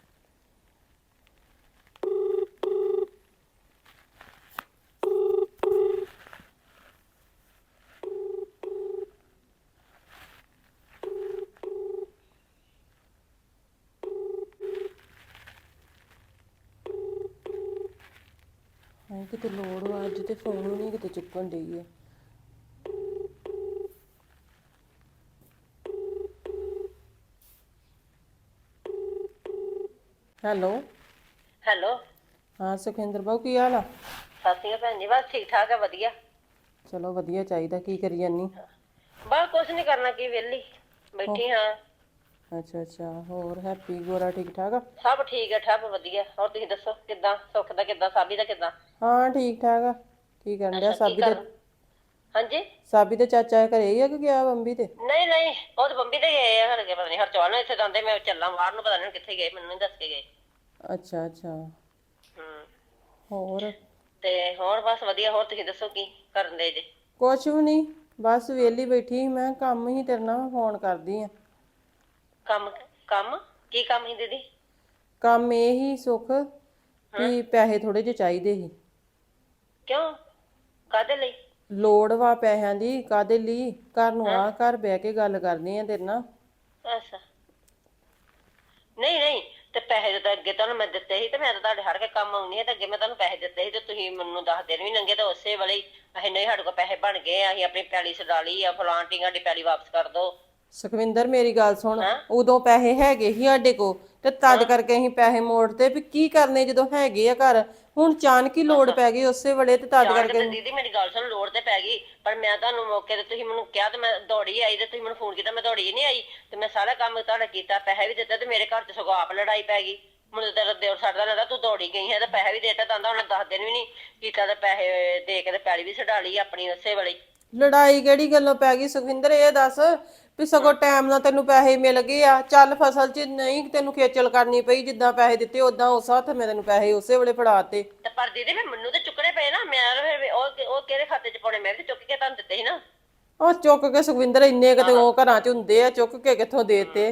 Speaker 3: ਹਾਂ ਕਿਤੇ ਲੋੜ ਵਾ, ਅੱਜ ਤੇ ਫੋਨ ਵੀ ਨਹੀਂ ਕਿਤੇ ਚੁੱਕਣ ਡਈ ਆ। ਹੈਲੋ
Speaker 5: ਹੈਲੋ,
Speaker 3: ਹਾਂ ਸੁਖਿੰਦਰ ਬਾਬੂ ਕੀ ਹਾਲ ਆ?
Speaker 5: ਸਤਿ ਸ਼੍ਰੀ ਅਕਾਲ ਭੈਣ ਜੀ। ਬਸ ਠੀਕ ਠਾਕ ਹੈ, ਵਧੀਆ।
Speaker 3: ਚਲੋ ਵਧੀਆ ਚਾਹੀਦਾ। ਕੀ ਕਰੀ ਜਾਨੀ?
Speaker 5: ਬਸ ਕੁਛ ਨਹੀਂ ਕਰਨਾ, ਕੀ ਵਿਹਲੀ ਬੈਠੀ ਹਾਂ।
Speaker 3: ਅੱਛਾ ਅੱਛਾ, ਹੋਰ ਹੈਪੀ ਗੋਰਾ ਠੀਕ ਠਾਕ ਆ?
Speaker 5: ਸਭ ਠੀਕ ਹੈ, ਠੱਪ ਵਧੀਆ। ਹੋਰ ਤੁਸੀਂ ਦੱਸੋ, ਕਿੱਦਾਂ ਸੁੱਖ ਦਾ, ਕਿੱਦਾਂ ਸਾਬੀ ਦਾ, ਕਿੱਦਾਂ?
Speaker 3: ਹਾਂ ਠੀਕ ਠਾਕ ਆ। ਕੀ ਕਰਨ ਡਿਆ? ਸਾਬੀ ਦੇ
Speaker 5: ਹਾਂਜੀ।
Speaker 3: ਸਾਬੀ ਦੇ ਚਾਚਾ ਘਰੇ ਹੀ ਆ ਕਿ ਗਿਆ ਬੰਬੀ ਤੇ?
Speaker 5: ਨਹੀਂ ਨਹੀਂ, ਉਹ ਤਾਂ ਬੰਬੀ ਤੇ ਗਏ ਆ ਹਲਕੇ, ਪਤਾ ਨਹੀਂ ਹਰਚੌਲ ਨੂੰ ਇੱਥੇ ਜਾਂਦੇ, ਮੈਂ ਚੱਲਾਂ ਬਾਹਰ ਨੂੰ, ਪਤਾ ਨਹੀਂ ਕਿੱਥੇ ਗਏ, ਮੈਨੂੰ ਨਹੀਂ ਦੱਸ ਕੇ ਗਏ।
Speaker 3: ਅੱਛਾ ਅੱਛਾ,
Speaker 5: ਹੂੰ,
Speaker 3: ਹੋਰ?
Speaker 5: ਤੇ ਹੋਰ ਬਸ ਵਧੀਆ। ਹੋਰ ਤੁਸੀਂ ਦੱਸੋ ਕੀ ਕਰਨ ਦੇ ਜੇ?
Speaker 3: ਕੁਛ ਵੀ ਨਹੀਂ, ਬਸ ਵਿਹਲੀ ਬੈਠੀ ਸੀ। ਮੈਂ ਕੰਮ ਹੀ ਤੇਰੇ ਨਾਲ ਫੋਨ ਕਰਦੀ ਆ।
Speaker 5: ਕੰਮ ਕੰਮ ਕੀ ਕੰਮ ਸੀ ਦੀਦੀ?
Speaker 3: ਕੰਮ ਇਹ ਹੀ ਸੁੱਖ ਵੀ ਪੈਸੇ ਥੋੜੇ ਜਿਹੇ ਚਾਹੀਦੇ ਸੀ।
Speaker 5: ਕਿਉਂ, ਕਾਹਦੇ ਲਈ?
Speaker 3: ਲੋੜ ਵਾ ਪੈਸਿਆਂ ਦੀ। ਕਾਹਦੇ ਲਈ? ਘਰ ਨੂੰ ਆ, ਘਰ ਬਹਿ ਕੇ ਗੱਲ ਕਰਨੀ ਆ ਤੇਰੇ ਨਾਲ।
Speaker 5: ਅੱਛਾ, ਨਹੀਂ ਨਹੀਂ, ਤੇ ਪੈਸੇ ਤਾਂ ਅੱਗੇ ਤੁਹਾਨੂੰ ਮੈਂ ਦਿੱਤੇ ਸੀ, ਤੇ ਮੈਂ ਤਾਂ ਤੁਹਾਡੇ ਹਰ ਕੇ ਕੰਮ ਆਉਣੀ ਹੈ, ਤੇ ਅੱਗੇ ਮੈਂ ਤੁਹਾਨੂੰ ਪੈਸੇ ਦਿੱਤੇ ਸੀ, ਤੇ ਤੁਸੀਂ ਮੈਨੂੰ 10 ਦਿਨ ਵੀ ਲੰਘੇ ਤਾਂ ਉਸੇ ਵੇਲੇ ਹੀ ਅਸੀਂ ਨਹੀਂ, ਸਾਡੇ ਕੋਲ ਪੈਸੇ ਬਣ ਗਏ ਆ, ਅਸੀਂ ਆਪਣੀ ਪੈਲੀ ਛਡਾ ਲਈ ਆ, ਫਲਾਂਟੀ ਸਾਡੀ ਪੈਲੀ ਵਾਪਸ ਕਰ ਦੋ।
Speaker 3: ਸੁਖਵਿੰਦਰ ਮੇਰੀ ਗੱਲ ਸੁਣ, ਉਦੋਂ ਪੈਸੇ ਹੈਗੇ ਸੀ ਸਾਡੇ ਕੋਲ, ਤੇ ਤਦ ਕਰਕੇ ਅਸੀਂ ਪੈਸੇ ਮੋੜਤੇ ਵੀ ਕੀ ਕਰਨੇ ਜਦੋਂ ਹੈਗੇ ਆ ਘਰ। ਹੁਣ ਅਚਾਨਕ ਹੀ ਲੋੜ ਪੈ ਗਈ ਉਸੇ ਵੇਲੇ, ਤੇ ਤਦ
Speaker 5: ਜਾਣ ਕੇ
Speaker 3: ਕਰਕੇ।
Speaker 5: ਤੇ ਦੀਦੀ ਮੇਰੀ ਗੱਲ ਸੁਣ, ਲੋੜ ਤੇ ਪੈ ਗਈ, ਪਰ ਮੈਂ ਤੁਹਾਨੂੰ ਮੌਕੇ ਤੇ ਤੁਸੀਂ ਮੈਨੂੰ ਕਿਹਾ ਤੇ ਮੈਂ ਦੌੜੀ ਆਈ, ਤੇ ਤੁਸੀਂ ਮੈਨੂੰ ਫੋਨ ਕੀਤਾ, ਮੈਂ ਦੌੜੀ ਨਹੀਂ ਆਈ, ਤੇ ਮੈਂ ਸਾਰਾ ਕੰਮ ਤੁਹਾਡਾ ਕੀਤਾ, ਪੈਸੇ ਵੀ ਦਿੱਤਾ, ਤੇ ਮੇਰੇ ਘਰ 'ਚ ਸਗੋਂ ਆਪ ਲੜਾਈ ਪੈ ਗਈ। ਮੈਨੂੰ ਤੇਰਾ ਦਿਓਰ ਛੱਡਦਾ ਲੱਗਦਾ, ਤੂੰ ਦੌੜੀ ਗਈ ਹੈ, ਤੇ ਪੈਸੇ ਵੀ ਦੇਤਾ ਤਾਂ ਉਹਨੇ 10 ਦਿਨ ਵੀ ਨਹੀਂ ਕੀਤਾ, ਤੇ ਪੈਸੇ ਦੇ ਕੇ ਤੇ ਪੈਲੀ ਵੀ ਛਡਾ ਲਈ ਆਪਣੀ ਉਸੇ ਵੇਲੇ।
Speaker 3: ਲੜਾਈ ਕਿਹੜੀ ਗੱਲੋਂ ਪੈ ਗਈ ਸੁਖਵਿੰਦਰ? ਇਹ ਦੱਸ ਵੀ ਸਗੋਂ ਟਾਈਮ ਨਾਲ ਤੈਨੂੰ ਪੈਸੇ ਮਿਲ ਗਏ ਆ, ਚੱਲ ਫਸਲ 'ਚ ਨਹੀਂ ਤੈਨੂੰ ਖੇਚਲ ਕਰਨੀ ਪਈ, ਜਿੱਦਾਂ ਪੈਸੇ ਦਿੱਤੇ ਉਦਾਂ ਉਸ ਹੱਥ ਮੈਂ ਤੈਨੂੰ ਪੈਸੇ ਉਸੇ ਵੇਲੇ ਫੜਾਤੇ।
Speaker 5: ਤੇ ਪਰ ਦੀਦੀ ਫਿਰ ਮੈਨੂੰ ਤੇ ਚੁੱਕਣੇ ਪਏ ਨਾ, ਮੈਂ ਫਿਰ ਉਹ ਕਿਹੜੇ ਖਾਤੇ 'ਚ ਪਾਉਣੇ? ਮੈਂ ਵੀ ਚੁੱਕ ਕੇ ਤੁਹਾਨੂੰ ਦਿੱਤੇ ਸੀ ਨਾ।
Speaker 3: ਉਹ ਚੁੱਕ ਕੇ ਸੁਖਵਿੰਦਰ ਇੰਨੇ ਕਿਤੇ ਉਹ ਘਰਾਂ 'ਚ ਹੁੰਦੇ ਆ, ਚੁੱਕ ਕੇ ਕਿੱਥੋਂ ਦੇਤੇ?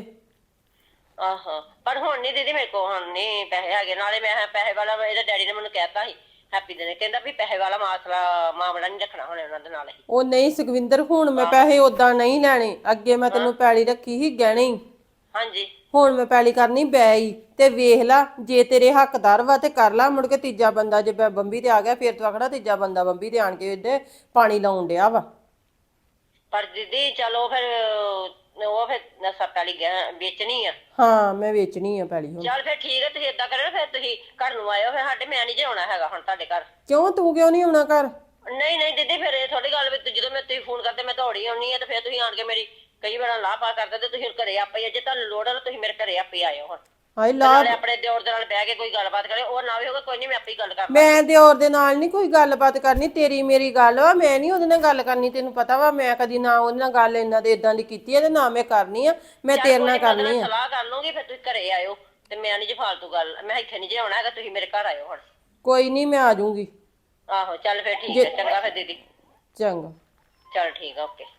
Speaker 5: ਆਹੋ, ਪਰ ਹੁਣ ਨਹੀਂ ਦੀਦੀ ਮੇਰੇ ਕੋਲ, ਹੁਣ ਨਹੀਂ ਪੈਸੇ ਹੈਗੇ। ਨਾਲੇ ਮੈਂ ਪੈਸੇ ਵਾਲਾ, ਇਹਦੇ ਡੈਡੀ ਨੇ ਮੈਨੂੰ ਕਹਿਤਾ ਸੀ ਹੈਪੀ ਦੇ ਨੇ, ਕਹਿੰਦਾ ਵੀ ਪੈਸੇ ਵਾਲਾ ਮਾਮਲਾ ਨਹੀਂ ਰੱਖਣਾ ਹੁਣ ਉਹਨਾਂ ਦੇ ਨਾਲ ਹੀ।
Speaker 3: ਉਹ ਨਹੀਂ ਸੁਖਵਿੰਦਰ, ਹੁਣ ਮੈਂ ਪੈਸੇ ਉਦਾਂ ਨਹੀਂ ਲੈਣੇ। ਅੱਗੇ ਮੈਂ ਤੈਨੂੰ ਪੈਲੀ ਰੱਖੀ ਸੀ ਗਹਿਣੇ ਹੀ,
Speaker 5: ਹਾਂਜੀ।
Speaker 3: ਹੁਣ ਮੈਂ ਪੈਲੀ ਕਰਨੀ ਬੈ ਹੀ। ਤੇ ਵੇਖ ਲਾ, ਜੇ ਤੇਰੇ ਹੱਕਦਾਰ ਵਾ ਤੇ ਕਰ ਲਾ, ਮੁੜ ਕੇ ਤੀਜਾ ਬੰਦਾ ਜੇ ਬੰਬੀ ਤੇ ਆ ਗਿਆ ਫੇਰ ਤੂੰ ਆਖਣਾ ਤੀਜਾ ਬੰਦਾ ਬੰਬੀ ਤੇ ਆਣ ਕੇ ਇਹਦੇ ਪਾਣੀ ਲਾਉਣ ਡਿਆ ਵਾ।
Speaker 5: ਪਰ ਦੀਦੀ ਚਲੋ ਫਿਰ ਉਹ ਫਿਰ ਨਸ਼ਾ ਪੈਲੀ ਵੇਚਣੀ ਆ।
Speaker 3: ਹਾਂ ਮੈਂ ਵੇਚਣੀ ਆ ਪੈਲੀ ਹੁਣ।
Speaker 5: ਚੱਲ ਫਿਰ ਠੀਕ ਹੈ, ਤੁਸੀਂ ਏਦਾਂ ਕਰਿਓ, ਫਿਰ ਤੁਸੀਂ ਘਰ ਨੂੰ ਆਇਓ, ਫਿਰ ਸਾਡੇ ਮੈਂ ਨਹੀਂ ਜੇ ਆਉਣਾ ਹੈਗਾ ਹੁਣ ਤੁਹਾਡੇ ਘਰ।
Speaker 3: ਕਿਉਂ, ਤੂੰ ਕਿਉਂ ਨਹੀਂ ਆਉਣਾ ਘਰ?
Speaker 5: ਨਹੀਂ ਨਹੀਂ ਦੀਦੀ, ਫਿਰ ਇਹ ਥੋੜੀ ਗੱਲ ਵੀ ਜਦੋਂ ਮੈਂ ਤੁਸੀਂ ਫੋਨ ਕਰਦੇ ਮੈਂ ਦੌੜੀ ਆਉਣੀ ਆ, ਤੇ ਫਿਰ ਤੁਸੀਂ ਆਣ ਕੇ ਮੇਰੀ ਕਈ ਵਾਰ ਲਾਹ ਪਾ ਕਰਦੇ, ਤੇ ਤੁਸੀਂ ਘਰੇ ਆਪੇ, ਜੇ ਤੁਹਾਨੂੰ ਲੋੜ ਹੈ ਤੁਸੀਂ ਮੇਰੇ ਘਰੇ ਆਪੇ ਆਇਓ ਹੁਣ।
Speaker 3: ਹਾਏ ਲਾ,
Speaker 5: ਨਾਲੇ ਆਪਣੇ ਦਿਓਰ ਦੇ ਨਾਲ ਬਹਿ ਕੇ ਕੋਈ ਗੱਲਬਾਤ ਕਰੇ, ਉਹ ਨਾ ਵੀ ਹੋਗਾ, ਕੋਈ ਨਹੀਂ ਮੈਂ ਆਪੇ ਹੀ ਗੱਲ ਕਰ ਲਾਂਗੀ।
Speaker 3: ਮੈਂ ਦਿਓਰ ਦੇ ਨਾਲ ਨਹੀਂ ਕੋਈ ਗੱਲਬਾਤ ਕਰਨੀ, ਤੇਰੀ ਮੇਰੀ ਗੱਲ ਵਾ, ਮੈਂ ਨਹੀਂ ਉਹਦੇ ਨਾਲ ਗੱਲ ਕਰਨੀ। ਤੈਨੂੰ ਪਤਾ ਵਾ ਮੈਂ ਕਦੀ ਨਾ ਉਹਦੇ ਨਾਲ ਗੱਲ ਇਹਨਾਂ ਦੇ ਇਦਾਂ ਦੀ ਕੀਤੀ ਹੈ, ਤੇ ਨਾ ਮੈਂ ਕਰਨੀ ਆ। ਮੈਂ ਤੇਰੇ ਨਾਲ ਕਰਨੀ ਆ।
Speaker 5: ਸਲਾਹ ਕਰ ਲੂੰਗੀ, ਫਿਰ ਤੁਸੀਂ ਘਰੇ ਆਇਓ, ਤੇ ਮੈਂ ਨਹੀਂ ਜੇ ਫਾਲਤੂ ਗੱਲ, ਮੈਂ ਇੱਥੇ ਨਹੀਂ ਜੇ ਆਉਣਾ ਹੈਗਾ, ਤੁਸੀਂ ਮੇਰੇ ਘਰ ਆਇਓ ਹੁਣ।
Speaker 3: ਕੋਈ ਨਹੀਂ, ਮੈਂ ਆ ਜਾਊਂਗੀ।
Speaker 5: ਆਹੋ ਚੱਲ ਫਿਰ ਠੀਕ ਹੈ, ਚੰਗਾ ਫਿਰ ਦੀਦੀ।
Speaker 3: ਚੰਗਾ,
Speaker 5: ਚੱਲ ਠੀਕ ਆ, ਓਕੇ।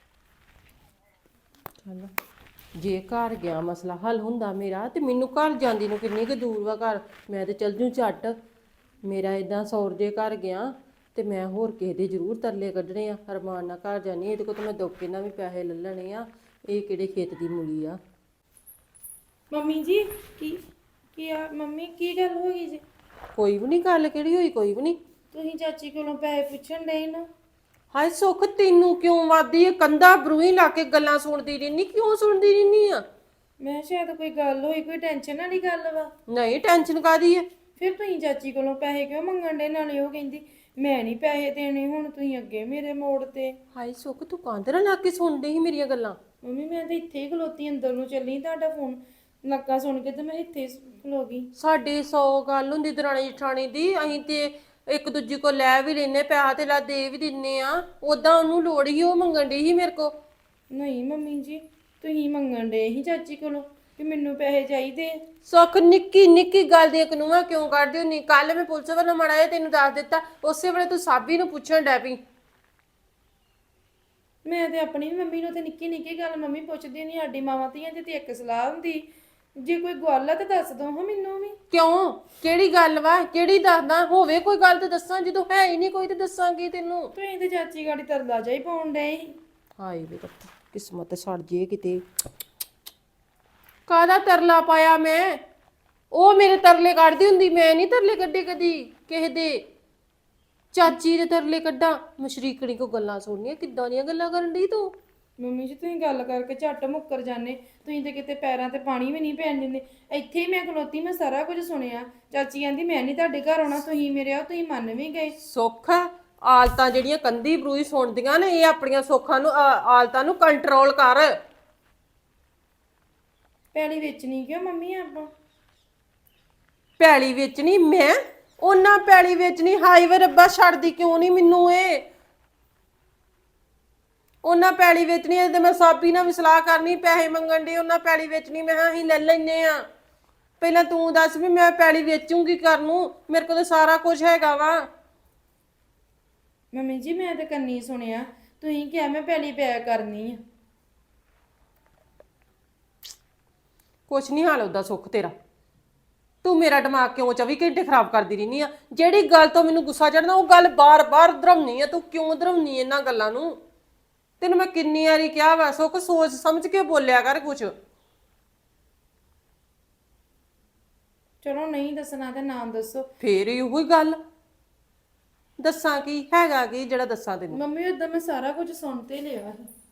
Speaker 3: ਚੱਲ ਜੇ ਘਰ ਗਿਆ ਮਸਲਾ ਹੱਲ ਹੁੰਦਾ ਮੇਰਾ, ਤੇ ਮੈਨੂੰ ਘਰ ਜਾਂਦੀ ਨੂੰ ਕਿੰਨੀ ਕੁ ਦੂਰ ਵਾ ਘਰ, ਮੈਂ ਤੇ ਚੱਲ ਜੂ ਝੱਟ। ਮੇਰਾ ਇਦਾਂ ਸੌਰ ਜੇ ਘਰ ਗਿਆ, ਤੇ ਮੈਂ ਹੋਰ ਕਿਸੇ ਦੇ ਜ਼ਰੂਰ ਤਰਲੇ ਕੱਢਣੇ ਆ। ਅਰਮਾਨ ਨਾਲ ਘਰ ਜਾਨੀ, ਇਹਦੇ ਕੋਲ ਤਾਂ ਮੈਂ ਦੁੱਖ ਨਾਲ ਵੀ ਪੈਸੇ ਲੈ ਲੈਣੇ ਆ। ਇਹ ਕਿਹੜੇ ਖੇਤ ਦੀ ਮੂਲੀ ਆ?
Speaker 2: ਮੰਮੀ ਜੀ ਕੀ ਆ ਮੰਮੀ, ਕੀ ਗੱਲ ਹੋ ਗਈ ਜੀ?
Speaker 3: ਕੋਈ ਵੀ ਨਹੀਂ ਗੱਲ, ਕਿਹੜੀ ਹੋਈ? ਕੋਈ ਵੀ ਨਹੀਂ।
Speaker 2: ਤੁਸੀਂ ਚਾਚੀ ਕੋਲੋਂ ਪੈਸੇ ਪੁੱਛਣ ਡਏ ਨਾ।
Speaker 3: ਹਾਏ ਸੁੱਖ, ਤੈਨੂੰ ਕਿਉਂ ਵਾਦੀ ਕੰਧਾ ਬਰੂਹੀ ਲਾ ਕੇ ਗੱਲਾਂ ਸੁਣਦੀ ਰਹਿਨੀ? ਕਿਉਂ ਸੁਣਦੀ ਰਹਿਨੀ ਆ?
Speaker 2: ਮੈਂ ਸ਼ਾਇਦ ਕੋਈ ਗੱਲ ਹੋਈ, ਕੋਈ ਟੈਨਸ਼ਨ ਵਾਲੀ ਗੱਲ ਵਾ।
Speaker 3: ਨਹੀਂ, ਟੈਨਸ਼ਨ ਕਾਦੀ ਹੈ?
Speaker 2: ਫਿਰ ਤੁਸੀਂ ਚਾਚੀ ਕੋਲੋਂ ਪੈਸੇ ਕਿਉਂ ਮੰਗਣ ਡੇ? ਨਾਲੇ ਉਹ ਕਹਿੰਦੀ ਮੈਂ ਨਹੀਂ ਪੈਸੇ ਦੇਣੇ, ਹੁਣ ਤੁਸੀਂ ਅੱਗੇ ਮੇਰੇ ਮੋੜ ਤੇ।
Speaker 3: ਹਾਏ ਸੁੱਖ, ਤੂੰ ਕੰਧ ਨਾਲ ਲਾ ਕੇ ਸੁਣਦੀ ਸੀ ਮੇਰੀਆਂ ਗੱਲਾਂ?
Speaker 2: ਮੰਮੀ ਮੈਂ ਤਾਂ ਇੱਥੇ ਹੀ ਖਲੋਤੀ, ਅੰਦਰ ਨੂੰ ਚੱਲੀ, ਤੁਹਾਡਾ ਫੋਨ ਨੱਕਾ ਸੁਣ ਕੇ ਤੇ ਮੈਂ ਇੱਥੇ ਖਲੋ ਗਈ।
Speaker 3: ਸਾਡੀ 100 ਗੱਲ ਹੁੰਦੀ ਦਰਾਣੀ ਜਠਾਣੀ ਦੀ, ਅਸੀਂ ਤੇ ਇੱਕ ਦੂਜੀ ਕੋ ਲੈ ਵੀ ਲੈਨੇ, ਪੈਸਾ ਤੇ ਲਾ ਦੇ ਵੀ ਦਿੰਨੇ ਆ। ਉਦਾਂ ਉਹਨੂੰ ਲੋੜ ਹੀ, ਉਹ ਮੰਗਣ ਡਈ ਸੀ ਮੇਰੇ ਕੋ।
Speaker 2: ਨਹੀਂ ਮੰਮੀ ਜੀ, ਤੁਸੀਂ ਮੰਗਣ ਦੇ ਹੀ ਚਾਚੀ ਕੋਲੋਂ ਕਿ ਮੈਨੂੰ ਪੈਸੇ ਚਾਹੀਦੇ।
Speaker 3: ਸੁੱਖ ਨਿੱਕੀ ਨਿੱਕੀ ਗੱਲ ਦੀਆਂ ਕਨੂਆਂ ਕਿਉਂ ਕੱਢਦੀ ਹੁੰਨੀ? ਕੱਲ ਮੈਂ ਪੁਲਿਸ ਵੱਲੋਂ ਮਾੜਾ ਜਿਹਾ ਤੈਨੂੰ ਦੱਸ ਦਿੱਤਾ, ਉਸੇ ਵੇਲੇ ਤੂੰ ਸਾਬੀ ਨੂੰ ਪੁੱਛਣ ਡੈ ਪਈ।
Speaker 2: ਮੈਂ ਤੇ ਆਪਣੀ ਮੰਮੀ ਨੂੰ ਤੇ ਨਿੱਕੀ ਨਿੱਕੀ ਗੱਲ ਮੰਮੀ ਪੁੱਛਦੀ ਨਹੀਂ, ਸਾਡੀ ਮਾਵਾਂ ਧੀਆਂ ਦੀ ਤੇ ਇੱਕ ਸਲਾਹ ਹੁੰਦੀ, ਜੇ ਕੋਈ ਗੱਲ ਆ ਤੇ ਦੱਸ ਦੋ ਹਾਂ ਮੈਨੂੰ ਵੀ।
Speaker 3: ਕਿਉਂ? ਕਿਹੜੀ ਗੱਲ ਵਾ? ਕਿਹੜੀ ਦੱਸਦਾ? ਹੋਵੇ ਕੋਈ ਗੱਲ ਤੇ ਦੱਸਾਂ, ਜਦੋਂ ਹੈ ਹੀ ਨਹੀਂ ਕੋਈ ਤੇ ਦੱਸਾਂਗੀ ਤੈਨੂੰ।
Speaker 2: ਤੁਸੀਂ ਤੇ ਚਾਚੀ ਗਾੜੀ ਤਰਲਾ ਜਾਈ ਪਾਉਣ ਡਏ ਸੀ।
Speaker 3: ਹਾਏ ਵੇ ਰੱਬ, ਕਿਸਮਤ ਸੜ ਜੇ ਕਿਤੇ। ਕਾਹਦਾ ਤਰਲਾ ਪਾਇਆ ਮੈਂ? ਉਹ ਮੇਰੇ ਤਰਲੇ ਕੱਢਦੀ ਹੁੰਦੀ, ਮੈਂ ਨਹੀਂ ਤਰਲੇ ਕੱਢੇ ਕਦੀ ਕਿਸੇ ਦੇ। ਚਾਚੀ ਦੇ ਤਰਲੇ ਕੱਢਾਂ? ਮਸ਼ਰੀਕਣੀ ਕੋ ਗੱਲਾਂ ਸੁਣਨੀਆਂ, ਕਿੱਦਾਂ ਦੀਆਂ ਗੱਲਾਂ ਕਰਨ ਡਈ ਤੂੰ?
Speaker 2: ਮੰਮੀ ਜੀ ਤੁਸੀਂ ਗੱਲ ਕਰਕੇ ਝੱਟ ਮੁੱਕਰ ਜਾਂਦੇ, ਤੁਸੀਂ ਤੇ ਕਿਤੇ ਪੈਰਾਂ ਤੇ ਪਾਣੀ ਵੀ ਨਹੀਂ ਪੈਣ ਦਿੰਦੇ। ਇੱਥੇ ਹੀ ਮੈਂ ਖਲੋਤੀ, ਮੈਂ ਸਾਰਾ ਕੁਝ ਸੁਣਿਆ। ਚਾਚੀ ਕਹਿੰਦੀ ਮੈਂ ਨਹੀਂ ਤੁਹਾਡੇ ਘਰ ਆਉਣਾ, ਤੁਸੀਂ ਮੇਰੇ ਆਓ, ਤੁਸੀਂ ਮੰਨ ਵੀ ਗਏ।
Speaker 3: ਸੁੱਖ ਆਲਤਾਂ ਜਿਹੜੀਆਂ ਕੰਦੀ ਬਰੂਈ ਸੁਣਦੀਆਂ ਨੇ, ਇਹ ਆਪਣੀਆਂ ਸੁੱਖਾਂ ਨੂੰ ਆਲਤਾਂ ਨੂੰ ਕੰਟਰੋਲ ਕਰ।
Speaker 2: ਪੈਲੀ ਵੇਚਣੀ ਕਿਉਂ ਮੰਮੀ ਆਪਾਂ?
Speaker 3: ਪੈਲੀ ਵੇਚਣੀ ਮੈਂ? ਉਹਨਾਂ ਪੈਲੀ ਵੇਚਣੀ? ਹਾਈ ਵੇ ਰੱਬਾ, ਛੱਡਦੀ ਕਿਉਂ ਨਹੀਂ ਮੈਨੂੰ ਇਹ? ਉਹਨਾਂ ਪੈਲੀ ਵੇਚਣੀ ਐ ਤੇ ਮੈਂ ਸਾਬੀ ਨਾਲ ਵੀ ਸਲਾਹ ਕਰਨੀ, ਪੈਸੇ ਮੰਗਣ ਦੀ। ਉਹਨਾਂ ਪੈਲੀ ਵੇਚਣੀ, ਮੈਂ ਕਿਹਾ ਅਸੀਂ ਲੈ ਲੈਨੇ ਆ। ਪਹਿਲਾਂ ਤੂੰ ਦੱਸ ਵੀ ਮੈਂ ਪੈਲੀ ਵੇਚੂੰਗੀ ਘਰ ਨੂੰ, ਮੇਰੇ ਕੋਲ ਤਾਂ ਸਾਰਾ ਕੁਝ ਹੈਗਾ ਵਾ।
Speaker 2: ਮੰਮੀ ਜੀ ਮੈਂ ਤਾਂ ਕੰਨੀ ਸੁਣਿਆ, ਤੁਸੀਂ ਕਿਹਾ ਮੈਂ ਪੈਲੀ ਪਿਆ ਕਰਨੀ ਆ।
Speaker 3: ਕੁਛ ਨਹੀਂ ਹਾਲ ਉਹਦਾ ਸੁੱਖ ਤੇਰਾ। ਤੂੰ ਮੇਰਾ ਦਿਮਾਗ ਕਿਉਂ 24 ਘੰਟੇ ਖਰਾਬ ਕਰਦੀ ਰਹਿਨੀ ਆ? ਜਿਹੜੀ ਗੱਲ ਤੋਂ ਮੈਨੂੰ ਗੁੱਸਾ ਚੜਦਾ ਉਹ ਗੱਲ ਬਾਰ-ਬਾਰ ਦਰਮਨੀ ਆ। ਤੂੰ ਕਿਉਂ ਦਰਮਨੀ ਇਹਨਾਂ ਗੱਲਾਂ ਨੂੰ? ਤੈਨੂੰ ਮੈਂ ਕਿੰਨੀ ਵਾਰੀ ਕਿਹਾ ਵਾ, ਸੁੱਖ ਸੋਚ ਸਮਝ ਕੇ ਬੋਲਿਆ ਕਰ ਕੁਛ।
Speaker 2: ਚਲੋ ਨਹੀਂ ਦੱਸਣਾ ਤੇ ਨਾਮ ਦੱਸੋ।
Speaker 3: ਫੇਰ ਇਹੋ ਹੀ ਗੱਲ, ਦੱਸਾਂ ਕੀ ਹੈਗਾ ਕੀ ਜਿਹੜਾ ਦੱਸਾਂ ਤੈਨੂੰ?
Speaker 2: ਮੰਮੀ ਉਦੋਂ ਮੈਂ ਸਾਰਾ ਕੁਝ ਸੁਣ ਤੇ ਲਿਆ ਸੀ।